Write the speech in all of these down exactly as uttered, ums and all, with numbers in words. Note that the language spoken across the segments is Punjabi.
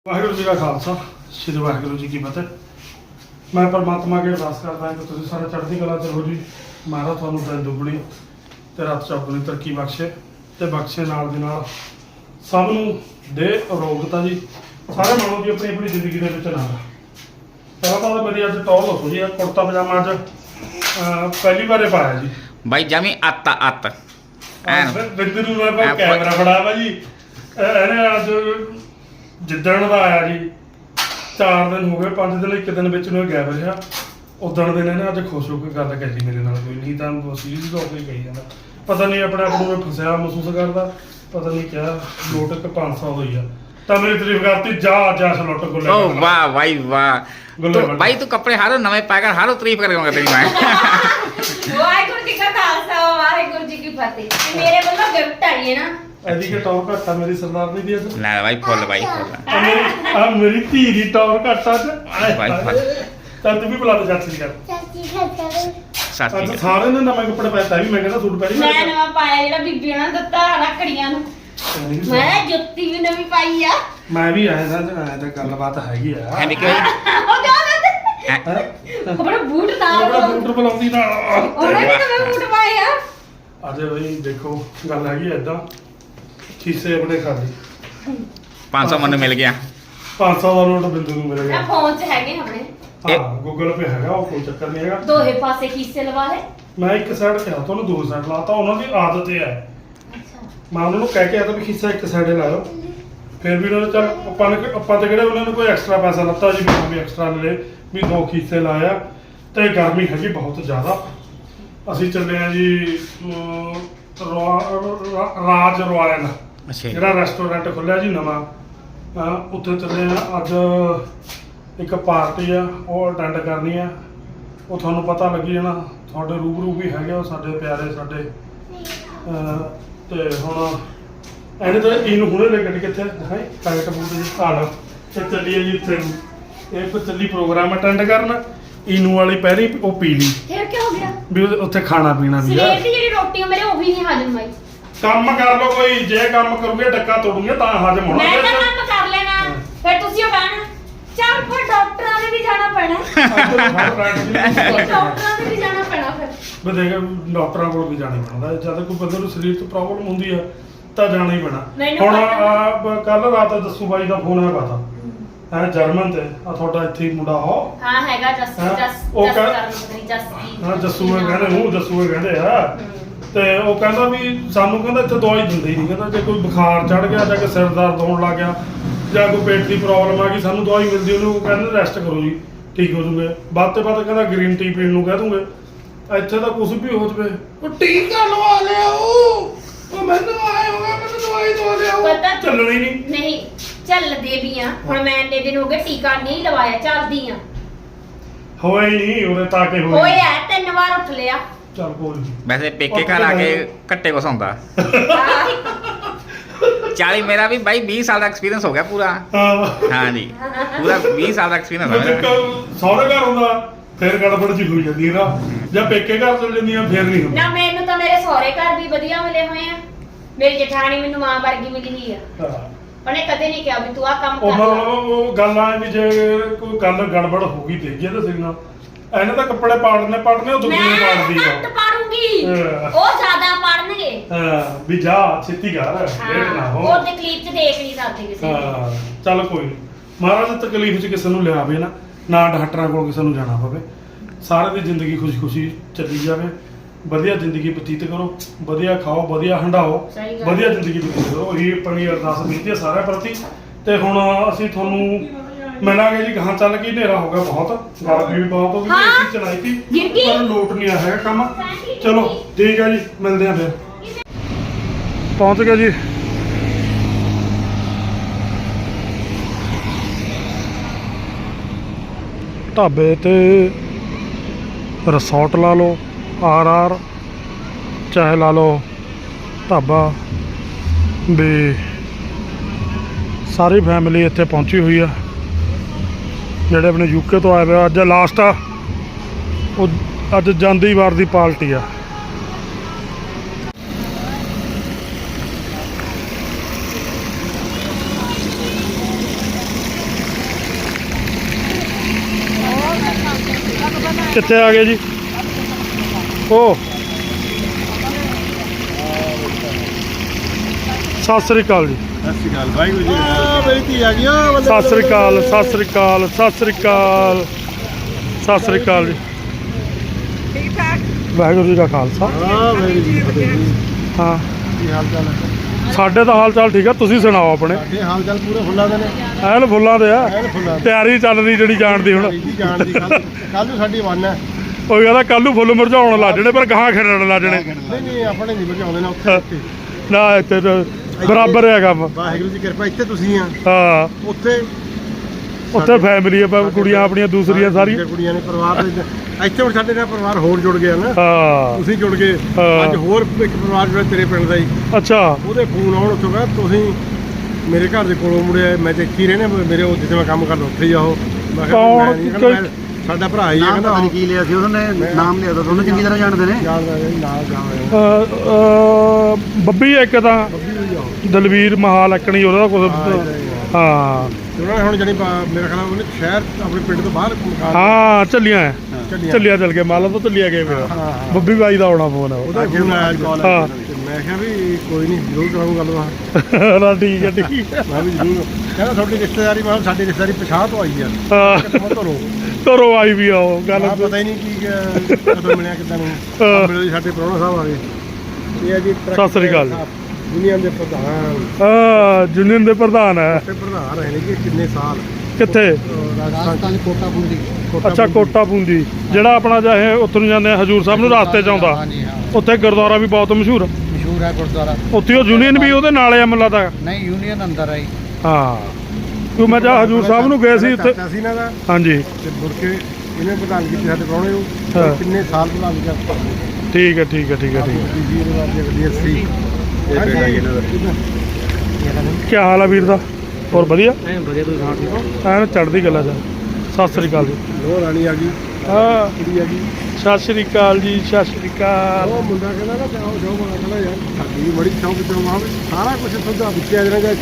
ਵਾਹਿਗੁਰੂ ਜੀ ਦਾ ਖਾਲਸਾ ਸ੍ਰੀ ਵਾਹਿਗੁਰੂ ਜੀ ਕੀ ਫਤਿਹ। ਮੈਂ ਪਰਮਾਤਮਾ ਅੱਗੇ ਅਰਦਾਸ ਕਰਦਾ ਹਾਂ ਕਿ ਤੁਸੀਂ ਸਾਰੇ ਚੜ੍ਹਦੀ ਕਲਾ 'ਚ ਰਹੋ ਜੀ। ਮਹਾਰਾਜ ਤੁਹਾਨੂੰ ਦਿਨ ਦੁੱਗਣੀ ਤੇ ਰਾਤ ਚੌਗੁਣੀ ਤਰੱਕੀ ਬਖਸ਼ੇ ਤੇ ਬਖਸ਼ੇ ਨਾਲ ਦੀ ਨਾਲ ਸਭ ਨੂੰ ਦੇ ਅਰੋਗਤਾ ਜੀ। ਸਾਰੇ ਮਾਣੋ ਜੀ ਆਪਣੀ ਆਪਣੀ ਜ਼ਿੰਦਗੀ ਦੇ ਵਿੱਚ ਨਾਲ। ਪਹਿਲਾਂ ਤਾਂ ਮੇਰੀ ਅੱਜ ਟੌਰ ਦੱਸੋ ਜੀ। ਕੁੜਤਾ ਪਜਾਮਾ ਅੱਜ ਪਹਿਲੀ ਵਾਰੇ ਪਾਇਆ ਜੀ ਬਾਈ ਜਮੀ ਅੱਤ ਅੱਤ ਬਿੰਦਰ ਨੂੰ ਮੈਂ ਕੈਮਰਾ ਫੜਾ ਵਾ ਜੀ। ਇਹਨੇ ਅੱਜ ਜਿੱਦਣ ਦਾ ਆਇਆ ਜੀ ਚਾਰ ਦਿਨ ਹੋ ਗਏ, ਪੰਜ ਦਿਨ ਇੱਕ ਦਿਨ ਵਿੱਚ ਨੂੰ ਇਹ ਗਾਇਬ ਰਿਹਾ। ਉਦਣ ਦਿਨ ਇਹਨੇ ਅੱਜ ਖੁਸ਼ ਹੋ ਕੇ ਗੱਲ ਕਹੀ ਮੇਰੇ ਨਾਲ, ਕੋਈ ਨਹੀਂ ਤਾਂ ਸੀਰੀਅਸ ਹੋ ਕੇ ਕਹੀ ਜਾਂਦਾ। ਪਤਾ ਨਹੀਂ ਆਪਣੇ ਆਪ ਨੂੰ ਫਸਿਆ ਮਹਿਸੂਸ ਕਰਦਾ, ਪਤਾ ਨਹੀਂ ਕਿਆ ਲੋਟ ਇੱਕ ਪੰਜ ਸੌ ਹੋਈ ਆ ਤਾਂ ਮੇਰੀ ਤਾਰੀਫ ਕਰਤੀ। ਜਾ ਜਾ ਲੁੱਟ ਗੁੱਲੇ। ਓ ਵਾਹ ਭਾਈ ਵਾਹ ਤੂੰ ਭਾਈ ਤੂੰ ਕੱਪੜੇ ਹਾਰੋ ਨਵੇਂ ਪਾ ਕਰ ਹਾਰੋ ਤਾਰੀਫ ਕਰੇਗਾ ਤੇਰੀ ਮੈਂ। ਵਾਹਿਗੁਰੂ ਜੀ ਕਾ ਖਾਲਸਾ ਵਾਹਿਗੁਰੂ ਜੀ ਕੀ ਫਤਿਹ। ਮੇਰੇ ਵੱਲੋਂ ਗਿਫਟ ਆਈ ਹੈ ਨਾ ਐਦੀ ਕਿ ਟੌਰ ਘੱਟਾ ਮੇਰੀ ਸਰਦਾਰਨੀ ਦੀ ਅੱਜ। ਲੈ ਭਾਈ ਫੁੱਲ ਭਾਈ ਫੁੱਲ ਆ ਮੇਰੀ ਧੀ ਦੀ ਟੌਰ ਘੱਟਾ ਅੱਜ। ਭਾਈ ਫੁੱਲ ਤਾਂ ਤੂੰ ਵੀ ਬੁਲਾ ਦੇ ਚਾਚੀ ਦੀ ਗੱਲ। ਸਾਸੀ ਅੱਜ ਸਾਰੇ ਨੇ ਨਵੇਂ ਕੱਪੜੇ ਪਾਏ ਤਾਂ ਵੀ ਮੈਂ ਕਹਿੰਦਾ ਸੂਟ ਪਹਿਲੀ ਮੈਂ ਨਵਾਂ ਪਾਇਆ ਜਿਹੜਾ ਬੀਬੀ ਉਹਨਾਂ ਨੇ ਦਿੱਤਾ ਰੱਖੜੀਆਂ ਨੂੰ। ਮੈਂ ਜੁੱਤੀ ਵੀ ਨਵੀਂ ਪਾਈ ਆ। ਮੈਂ ਵੀ ਆਇਆ ਸਾਂ ਐ ਤਾਂ ਗੱਲਬਾਤ ਹੈਗੀ ਆ। ਹੈ ਨਿੱਕੇ ਭਾਈ ਉਹ ਕਿਉਂ ਕਹਿੰਦੇ ਆਪਣਾ ਬੂਟ ਨਾਲ ਆਪਣਾ ਬੂਟ ਬੁਲਾਉਂਦੀ ਨਾਲ ਉਹਨੇ ਵੀ ਨਵੇਂ ਬੂਟ ਪਾਏ ਆ। ਅੱਜ ਬਈ ਦੇਖੋ ਗੱਲ ਹੈਗੀ ਐਦਾਂ ਖੀਸੇ ਆਪਣੇ ਖਾਲੀ ਪੰਜ ਸੌ ਮੈਨੂੰ ਮਿਲ ਗਿਆ। ਪੰਜ ਸੌ ਦਾ ਨੋਟ ਬਿੰਦੂ ਨੂੰ ਮਿਲ ਮੈਂ ਗਿਆ। ਫੋਨ 'ਚ ਹੈਗੇ ਆਪਣੇ ਹਾਂ ਗੂਗਲ ਪੇ ਹੈਗਾ, ਉਹ ਕੋਈ ਚੱਕਰ ਨਹੀਂ ਹੈਗਾ। ਦੋਹੇ ਪਾਸੇ ਖੀਸੇ ਲਵਾ ਲੈ। ਮੈਂ ਇੱਕ ਸਾਈਡ ਕਿਹਾ ਤੁਹਾਨੂੰ ਦੋ ਸਾਈਡ ਲਾਤਾ, ਉਹਨਾਂ ਦੀ ਆਦਤ ਇਹ ਹੈ। ਮੈਂ ਉਹਨਾਂ ਨੂੰ ਕਹਿ ਕੇ ਆਇਆ ਤਾਂ ਵੀ ਖੀਸਾ ਇੱਕ ਸਾਈਡੇ ਲਾਇਓ। ਫਿਰ ਵੀ ਉਹਨਾਂ ਨੇ ਚੱਲ ਆਪਾਂ ਨੇ ਆਪਾਂ ਤੇ ਕਿਹੜੇ ਉਹਨਾਂ ਨੇ ਕੋਈ ਐਕਸਟਰਾ ਪੈਸਾ ਲੱਤਾ ਜੀ ਵੀ ਵੀ ਐਕਸਟਰਾ ਲੈ ਵੀ ਦੋ ਖੀਸੇ ਲਾਇਆ। ਤੇ ਗਰਮੀ ਹੈਗੀ ਬਹੁਤ ਜ਼ਿਆਦਾ। ਅਸੀਂ ਚੱਲੇ ਆ ਜੀ ਰਾਜ ਰੋਇਲ ਅੱਛਾ ਜਿਹੜਾ ਰੈਸਟੋਰੈਂਟ ਖੁੱਲਿਆ ਜੀ ਨਵਾਂ, ਉੱਥੇ ਚੱਲੇ ਆ ਅੱਜ। ਇੱਕ ਪਾਰਟੀ ਆ ਉਹ ਅਟੈਂਡ ਕਰਨੀ ਆ, ਉਹ ਤੁਹਾਨੂੰ ਪਤਾ ਲੱਗੀ ਜਾਣਾ। ਤੁਹਾਡੇ ਰੂਬਰੂ ਵੀ ਹੈਗੇ ਉਹ ਸਾਡੇ ਪਿਆਰੇ ਸਾਡੇ। ਤੇ ਹੁਣ ਇਹਨੇ ਤਾਂ ਇਹਨੂੰ ਹੁਣੇ ਲੈ ਕੇ ਕਿੱਥੇ ਦਿਖਾਈ ਟਾਈਟ ਬੂਟ ਜੀ ਹਾਲ ਤੇ ਚੱਲੀਏ ਜੀ ਉੱਥੇ ਨੂੰ। ਇਹ ਫਿਰ ਚੱਲੀ ਪ੍ਰੋਗਰਾਮ ਅਟੈਂਡ ਕਰਨ। ਇਹਨੂੰ ਵਾਲੀ ਪਹਿਲੀ ਉਹ ਪੀ ਲਈ ਫਿਰ ਕੀ ਹੋ ਗਿਆ ਵੀ ਉੱਥੇ ਖਾਣਾ ਪੀਣਾ ਵੀ ਆ। ਸਵੇਰ ਦੀ ਜਿਹੜੀ ਰੋਟੀ ਮੇਰੇ ਉਹ ਵੀ ਨਹੀਂ ਹਜਮ ਹੋਈ। ਕੰਮ ਕਰ ਲਓ ਕੋਈ, ਜੇ ਕੰਮ ਕਰੂਗੇ ਡੱਕਾ ਤੋੜੂਗੇ ਤਾਂ ਹਜਮ ਹੋਣਾ। ਮੈਂ ਤਾਂ ਕੰਮ ਕਰ ਲੈਣਾ ਫਿਰ ਤੁਸੀਂ ਉਹ ਕਹਿਣਾ ਚੱਲ ਫਿਰ ਡਾਕਟਰਾਂ ਦੇ ਵੀ ਜਾਣਾ ਪੈਣਾ। ਡਾਕਟਰਾਂ ਦੇ ਵੀ ਜਾਣਾ ਪੈਣਾ ਫਿਰ ਵੀ ਦੇਖ ਡਾਕਟਰਾਂ ਕੋਲ ਵੀ ਜਾਣਾ ਹੀ ਪੈਂਦਾ। ਜਦ ਕੋਈ ਬੰਦੇ ਨੂੰ ਸਰੀਰ 'ਚ ਪ੍ਰੋਬਲਮ ਹੁੰਦੀ ਆ ਤਾਂ ਜਾਣਾ ਹੀ ਪੈਣਾ। ਹੁਣ ਕੱਲ ਰਾਤ ਜੱਸੂ ਬਾਈ ਦਾ ਫੋਨ ਆਇਆ ਪਤਾ ਹੈ ਜਰਮਨ ਤੇ ਆ ਤੁਹਾਡਾ ਇੱਥੇ ਹੀ ਮੁੰਡਾ ਹੋ। ਹਾਂ ਹੈਗਾ ਜਸ ਜਸ ਉਹ ਜਸ ਕਹਿ- ਕਰਨ ਪਤਾ ਨਹੀਂ ਜਸ ਕੀ ਹਾਂ ਜੱਸੂ ਇਹ ਕਹਿੰਦੇ ਨੂੰ ਜੱਸੂ ਇਹ ਕਹਿੰਦੇ ਆ। ਤੇ ਉਹ ਕਹਿੰਦਾ ਵੀ ਸਾਨੂੰ ਕਹਿੰਦਾ ਇੱਥੇ ਦਵਾਈ ਦਿੰਦੇ ਹੀ ਨਹੀਂ। ਕਹਿੰਦਾ ਜੇ ਕੋਈ ਬੁਖਾਰ ਚੜ ਗਿਆ ਜਾਂ ਕਿ ਸਿਰ ਦਰਦ ਹੋਣ ਲੱਗ ਗਿਆ ਜਾਂ ਕੋਈ ਪੇਟ ਦੀ ਪ੍ਰੋਬਲਮ ਆ ਗਈ ਸਾਨੂੰ ਦਵਾਈ ਮਿਲਦੀ ਉਹਨੂੰ ਕਹਿੰਦੇ ਰੈਸਟ ਕਰੋ ਜੀ ਠੀਕ ਹੋ ਜੂਗੇ। ਵੱਧ ਤੇ ਵੱਧ ਕਹਿੰਦਾ ਗ੍ਰੀਨ ਟੀ ਪੀਣ ਨੂੰ ਕਹਿ ਦੂੰਗੇ। ਇੱਥੇ ਤਾਂ ਕੁਝ ਵੀ ਹੋ ਜਵੇ ਉਹ ਟੀਕਾ ਲਵਾ ਲਿਆਓ, ਉਹ ਮੈਨੂੰ ਆਏ ਹੋਗਾ ਮੈਨੂੰ ਦਵਾਈ ਦਵਾ ਲਿਆਓ। ਪਤਾ ਚੱਲਣੀ ਨਹੀਂ ਨਹੀਂ ਚੱਲਦੇ ਵੀ ਆ। ਹੁਣ ਮੈਂ ਇੰਨੇ ਦਿਨ ਹੋ ਗਏ ਟੀਕਾ ਨਹੀਂ ਲਵਾਇਆ, ਚੱਲਦੀ ਆ। ਹੋਇਆ ਹੀ ਨਹੀਂ ਉਹਦੇ ਤਾਂ ਕਿ ਹੋਇਆ ਹੋਇਆ ਤਿੰਨ ਵਾਰ ਉੱਠ ਲਿਆ। ਚੱਲ ਕੋਈ ਨਹੀਂ। ਵੈਸੇ ਪੇਕੇ ਘਰ ਆ ਕੇ ਘੱਟੇ ਕੁਛ ਹੁੰਦਾ। ਚਾਲੀ ਮੇਰਾ ਵੀ ਬਾਈ ਵੀਹ ਸਾਲ ਦਾ ਐਕਸਪੀਰੀਅੰਸ ਹੋ ਗਿਆ ਪੂਰਾ। ਹਾਂ ਹਾਂ ਜੀ ਪੂਰਾ ਵੀਹ ਸਾਲ ਦਾ ਐਕਸਪੀਰੀਅੰਸ ਹੋ ਗਿਆ। ਸਹੁਰੇ ਘਰ ਹੁੰਦਾ ਫਿਰ ਗੜਬੜ ਜੀ ਹੋਈ ਜਾਂਦੀ ਨਾ, ਜਾਂ ਪੇਕੇ ਘਰ ਚਲ ਜਾਂਦੀ ਆ ਫਿਰ ਨਹੀਂ ਹੁੰਦਾ। ਨਾ ਮੈਨੂੰ ਤਾਂ ਮੇਰੇ ਸਹੁਰੇ ਘਰ ਵੀ ਵਧੀਆ ਮਿਲੇ ਹੋਏ ਆ। ਮੇਰੀ ਜਠਾਣੀ ਮੈਨੂੰ ਮਾਂ ਵਰਗੀ ਮਿਲੀ ਹੀ ਆ। ਉਹਨੇ ਕਦੇ ਨਹੀਂ ਕਿਹਾ ਵੀ ਤੂੰ ਆ ਕੰਮ ਉਹ ਕਰ। ਮਤਲਬ ਉਹ ਗੱਲ ਆ ਵੀ ਜੇ ਕੋਈ ਗੱਲ ਗੜਬੜ ਹੋ ਗਈ ਤੇ ਜੇ ਤਾਂ ਸਿਰ ਨਾਲ ਇਹਨੇ ਤਾਂ ਕੱਪੜੇ ਪਾੜਨੇ ਪਾੜਨੇ ਉਹ ਦੁਨੀਆ ਮੈਂ ਪਾੜਦੀ ਘੱਟ ਆ। ਪਾੜੂਗੀ ਹਾਂ। ਉਹ ਜ਼ਿਆਦਾ ਪਾੜਨਗੇ। ਹਾਂ ਵੀ ਜਾ ਛੇਤੀ ਕਰ ਲੇਟ ਨਾ ਹੋ। ਉਹ ਤਕਲੀਫ ਚ ਦੇਖ ਨਹੀਂ ਸਕਦੇ ਕਿਸੇ ਨੂੰ। ਹਾਂ ਚੱਲ ਕੋਈ ਨਹੀਂ। ਮਹਾਰਾਜ ਤਕਲੀਫ 'ਚ ਕਿਸੇ ਨੂੰ ਲਿਆਵੇ ਨਾ, ਨਾ ਡਾਕਟਰਾਂ ਕੋਲ ਕਿਸੇ ਨੂੰ ਜਾਣਾ ਪਵੇ। ਸਾਰੇ ਦੀ ਜ਼ਿੰਦਗੀ ਖੁਸ਼ੀ ਖੁਸ਼ੀ ਚੱਲੀ ਜਾਵੇ। ਵਧੀਆ ਜ਼ਿੰਦਗੀ ਬਤੀਤ ਕਰੋ, ਵਧੀਆ ਖਾਓ, ਵਧੀਆ ਹੰਡਾਓ, ਸਹੀ ਗੱਲ। ਵਧੀਆ ਜ਼ਿੰਦਗੀ ਬਤੀਤ ਕਰੋ। ਇਹੀ ਆਪਣੀ ਅਰਦਾਸ ਬੇਨਤੀ ਹੈ ਸਾਰਿਆਂ ਪ੍ਰਤੀ। ਤੇ ਹੁਣ ਅਸੀਂ ਤੁਹਾਨੂੰ ਮਿਲਾਂਗੇ ਜੀ ਗਾਹਾਂ ਚੱਲ ਕੇ। ਹਨੇਰਾ ਹੋ ਗਿਆ ਬਹੁਤ, ਗਰਮੀ ਵੀ ਬਹੁਤ ਹੋ ਗਈ। ਹਾਂ। ਅਸੀਂ ਚਲਾਈ ਸੀ ਗਿਰ ਗਈ। ਪਰ ਲੋਟ ਨਹੀਂ ਆਇਆ ਹੈਗਾ ਕੰਮ। ਚਲੋ ਠੀਕ ਹੈ ਜੀ, ਮਿਲਦੇ ਹਾਂ ਫਿਰ। ਪਹੁੰਚ ਗਏ ਜੀ ਢਾਬੇ ਤੇ। ਰਿਸੋਰਟ ਲਾ ਲਓ, ਆਰ ਆਰ ਚਾਹੇ ਲਾ ਲਓ ਢਾਬਾ ਵੀ। ਸਾਰੀ ਫੈਮਿਲੀ ਇੱਥੇ ਪਹੁੰਚੀ ਹੋਈ ਆ। ਜਿਹੜੇ ਆਪਣੇ ਯੂਕੇ ਤੋਂ ਆਏ ਹੋਏ ਅੱਜ ਲਾਸਟ ਆ ਉਹ ਅੱਜ ਜਾਂਦੀ ਵਾਰ ਦੀ ਪਾਰਟੀ ਆ। ਕਿੱਥੇ ਆ ਗਏ ਜੀ ਉਹ ਸਤਿ ਸ੍ਰੀ ਅਕਾਲ ਜੀ ਸਤਿ ਸ਼੍ਰੀ ਅਕਾਲ ਵਾਹਿਗੁਰੂ ਜੀ ਆ ਮੇਰੀ ਧੀ ਆ ਗਈ ਆ ਸਤਿ ਸ੍ਰੀ ਅਕਾਲ ਸਤਿ ਸ੍ਰੀ ਅਕਾਲ ਸਤਿ ਸ੍ਰੀ ਅਕਾਲ ਸਤਿ ਸ੍ਰੀ ਅਕਾਲ ਜੀ ਠੀਕ ਠਾਕ ਵਾਹਿਗੁਰੂ ਜੀ ਦਾ ਖਾਲਸਾ ਹਾਂ ਮੇਰੀ ਜੀ ਫਤਿਹ ਜੀ ਹਾਂ ਕੀ ਹਾਲ ਚਾਲ ਹੈ ਸਾਡੇ ਤਾਂ ਹਾਲ ਚਾਲ ਠੀਕ ਆ ਤੁਸੀਂ ਸੁਣਾਓ ਆਪਣੇ ਸਾਡੇ ਹਾਲ ਚਾਲ ਪੂਰੇ ਫੁੱਲਾਂ ਦੇ ਨੇ ਐਨ ਫੁੱਲਾਂ ਦੇ ਆ ਐਨ ਫੁੱਲਾਂ ਦੇ ਤਿਆਰੀ ਚੱਲ ਰਹੀ ਜਿਹੜੀ ਜਾਣ ਦੀ ਹੁਣ ਜੀ ਜਾਣ ਦੀ ਕੱਲ ਕੱਲ ਨੂੰ ਸਾਡੀ ਵੰਨ ਹੈ ਉਹ ਕਹਿੰਦਾ ਕੱਲ ਨੂੰ ਫੁੱਲ ਮੁਰਝਾਉਣ ਲੱਗ ਜਣੇ ਪਰ ਗਾਹਾਂ ਖਿੜਣ ਲੱਗ ਜਣੇ ਨਹੀਂ ਨਹੀਂ ਆਪਣੇ ਨਹੀਂ ਬਚਾਉਂਦੇ ਨਾ ਉੱਥੇ ਉੱਥੇ ਨਾ ਇੱਥੇ ਤਾਂ ਬਰਾਬਰ ਹੈ ਕੰਮ ਵਾਹਿਗੁਰੂ ਦੀ ਕਿਰਪਾ ਇੱਥੇ ਤੁਸੀਂ ਆ ਹਾਂ ਉੱਥੇ ਉੱਥੇ ਫੈਮਿਲੀ ਆ ਕੁੜੀਆਂ ਆਪਣੀਆਂ ਦੂਸਰੀਆਂ ਸਾਰੀਆਂ ਕੁੜੀਆਂ ਨੇ ਪਰਿਵਾਰ ਦੇ ਇੱਥੇ ਹੁਣ ਸਾਡੇ ਨਾਲ ਪਰਿਵਾਰ ਹੋਰ ਜੁੜ ਗਿਆ ਨਾ ਹਾਂ ਤੁਸੀਂ ਜੁੜ ਗਏ ਹਾਂ। ਅੱਜ ਹੋਰ ਇੱਕ ਪਰਿਵਾਰ ਜਿਹੜਾ ਤੇਰੇ ਪਿੰਡ ਦਾ ਹੀ ਅੱਛਾ ਉਹਦੇ ਫੋਨ ਆਉਣ ਉੱਥੋਂ ਕਹਿੰਦਾ ਤੁਸੀਂ ਮੇਰੇ ਘਰ ਦੇ ਕੋਲੋਂ ਮੁੜਿਆ ਮੈਂ ਤੇ ਇੱਥੇ ਹੀ ਰਹਿਣਾ ਮੇਰੇ ਉਹ ਜਿੱਥੇ ਮੈਂ ਕੰਮ ਕਰਦਾ ਉੱਥੇ ਹੀ ਆਓ ਮੈਂ ਕਿਹਾ ਕੌਣ? ਮੈਂ ਨਹੀਂ, ਕਹਿੰਦਾ ਮੈਂ- ਸਾਡਾ ਭਰਾ ਹੀ ਹੈ ਕਹਿੰਦਾ ਨਾਮ ਕੀ ਲਿਆ ਸੀ ਉਹਨਾਂ ਨੇ ਨਾਮ ਲਿਆ ਤਾਂ ਤੁਹਾਨੂੰ ਚੰਗੀ ਤਰ੍ਹਾਂ ਜਾਣਦੇ ਨੇ ਜਾਣਦਾ ਜੀ ਨਾਲ ਜਾਣਦਾ ਅ, ਅ, ਬੱਬੀ ਇੱਕ ਤਾਂ ਦਲਵੀਰ ਮਹਾਲ ਅਕਣੀ ਉਹਦਾ ਕੁਝ ਹਾਂ ਉਹਨਾਂ ਨੇ ਹੁਣ ਜਾਨੀ ਮੇਰਾ ਖਿਆਲ ਉਹਨੇ ਸ਼ਹਿਰ ਆਪਣੇ ਪਿੰਡ ਤੋਂ ਬਾਹਰ ਮਕਾਨ ਹਾਂ ਚੱਲੀਆਂ ਹੈ। ਚੱਲੀਆਂ। ਚੱਲਿਆ ਚੱਲ ਕੇ ਮਾਲਾ ਤੋਂ ਚੱਲਿਆ ਗਏ ਮੇਰਾ ਹਾਂ, ਹਾਂ। ਬੱਬੀ ਬਾਈ ਦਾ ਆਉਣਾ ਫੋਨ ਉਹਦਾ ਫੋਨ ਆਇਆ ਅੱਜ ਹਾਂ। ਤੇ ਮੈਂ ਕਿਹਾ ਵੀ ਕੋਈ ਨਹੀਂ ਜ਼ਰੂਰ ਕਰਾਂਗਾ ਗੱਲਬਾਤ ਨਾ ਠੀਕ ਹੈ ਠੀਕ ਹੈ ਮੈਂ ਵੀ ਜ਼ਰੂਰ ਕਹਿੰਦਾ ਤੁਹਾਡੀ ਰਿਸ਼ਤੇਦਾਰੀ ਮੈਂ ਕਿਹਾ ਸਾਡੀ ਰਿਸ਼ਤੇਦਾਰੀ ਪਛਾਹ ਤੋਂ ਆਈ ਆ ਹਾਂ ਕਿੱਥੋਂ ਧਰੋ ਘਰੋਂ ਆਈ ਵੀ ਆਓ ਗੱਲ ਮੈਂ ਪਤਾ ਹੀ ਨਹੀਂ ਕੀ ਕਿ- ਕਦੋਂ ਮਿਲਿਆ ਕਿੱਦਾਂ ਨੂੰ ਹਾਂ। ਮਿਲੋ ਜੀ ਸਾਡੇ ਪ੍ਰਾਹੁਣਾ ਸਾਹਿਬ ਆ ਗਏ ਇਹ ਆ ਜੀ ਟਰੱਕ ਸਤਿ ਸ੍ਰੀ ਅਕਾਲ। ਯੂਨੀਅਨ ਦੇ ਪ੍ਰਧਾਨ ਹਾਂ ਜੁਨੀਅਨ ਦੇ ਪ੍ਰਧਾਨ ਹੈ ਤੇ ਪ੍ਰਧਾਨ ਰਹੇ ਨੇ ਜੀ ਕਿੰਨੇ ਸਾਲ ਕਿੱਥੇ ਰਾਜਸਥਾਨ ਦੀ ਕੋਟਾ ਪੁੰਡੀ ਅੱਛਾ ਕੋਟਾ ਪੂੰਦੀ ਜਿਹੜਾ ਆਪਣਾ ਚਾਹੇ ਉੱਥੋਂ ਨੂੰ ਜਾਂਦੇ ਆ ਹਜੂਰ ਸਾਹਿਬ ਨੂੰ ਰਸਤੇ ਚ ਆਉਂਦਾ ਹਾਂਜੀ ਹਾਂ ਉੱਥੇ ਗੁਰਦੁਆਰਾ ਵੀ ਬਹੁਤ ਮਸ਼ਹੂਰ ਆ। ਮਸ਼ਹੂਰ ਹੈ ਗੁਰਦੁਆਰਾ ਉੱਥੇ ਉਹ ਯੂਨੀਅਨ ਵੀ ਉਹਦੇ ਨਾਲ ਆ ਮੈਨੂੰ ਲੱਗਦਾ ਨਹੀਂ ਯੂਨੀਅਨ ਅੰਦਰ ਆਈ ਹਾਂ ਕਿਉਂ ਮੈਂ ਜਾ ਹਜੂਰ ਸਾਹਿਬ ਨੂੰ ਗਏ ਸੀ ਉੱਥੇ ਚਾਚਾ ਸੀ ਇਹਨਾਂ ਦਾ ਹਾਂਜੀ ਤੇ ਮੁੜ ਕੇ ਇਹਨੇ ਪ੍ਰਧਾਨ ਕੀਤੀ ਸਾਡੇ ਪ੍ਰਾਹੁਣੇ ਨੂੰ ਹਾਂ। ਕਿੰਨੇ ਸਾਲ ਪ੍ਰਧਾਨ ਕੀਤਾ ਠੀਕ ਹੈ ਠੀਕ ਹੈ ਠੀਕ ਹੈ ਠੀਕ ਹੈ ਜੀ ਇਹਨਾਂ ਦੀ ਗੱਡੀ ਸੀ ਇਹ ਬੇਟਾ ਇਹਨਾਂ ਦਾ ਕੀ ਹਾਲ ਆ ਵੀਰ ਦਾ ਹੋਰ ਵਧੀਆ ਐ ਵਧੀਆ ਤੁਸੀਂ ਸੁਣਾਓ ਠੀਕ ਹੋ ਐਨ ਚੜ੍ਹਦੀ ਗੱਲਾਂ ਚ ਸਤਿ ਸ੍ਰੀ ਅਕਾਲ ਜੀ ਲੋਹ ਰਾਣੀ ਆ ਗਈ ਹਾਂ ਕੁੜੀ ਆ ਗਈ ਸਤਿ ਸ੍ਰੀ ਅਕਾਲ ਜੀ ਸਤਿ ਸ੍ਰੀ ਅਕਾਲ ਉਹ ਮੁੰਡਾ ਕਹਿੰਦਾ ਨਾ ਜਾਓ ਜਾਓ ਬਣਾ ਕਹਿੰਦਾ ਯਾਰ ਸਾਡੀ ਵੀ ਬੜੀ ਸ਼ੌਕ ਤੇ ਮਾਂ ਵੀ ਸਾਰਾ ਕੁਝ ਸੁਝਾ ਵਿੱਚਿਆ ਜਿਹੜਾ ਜਾਂ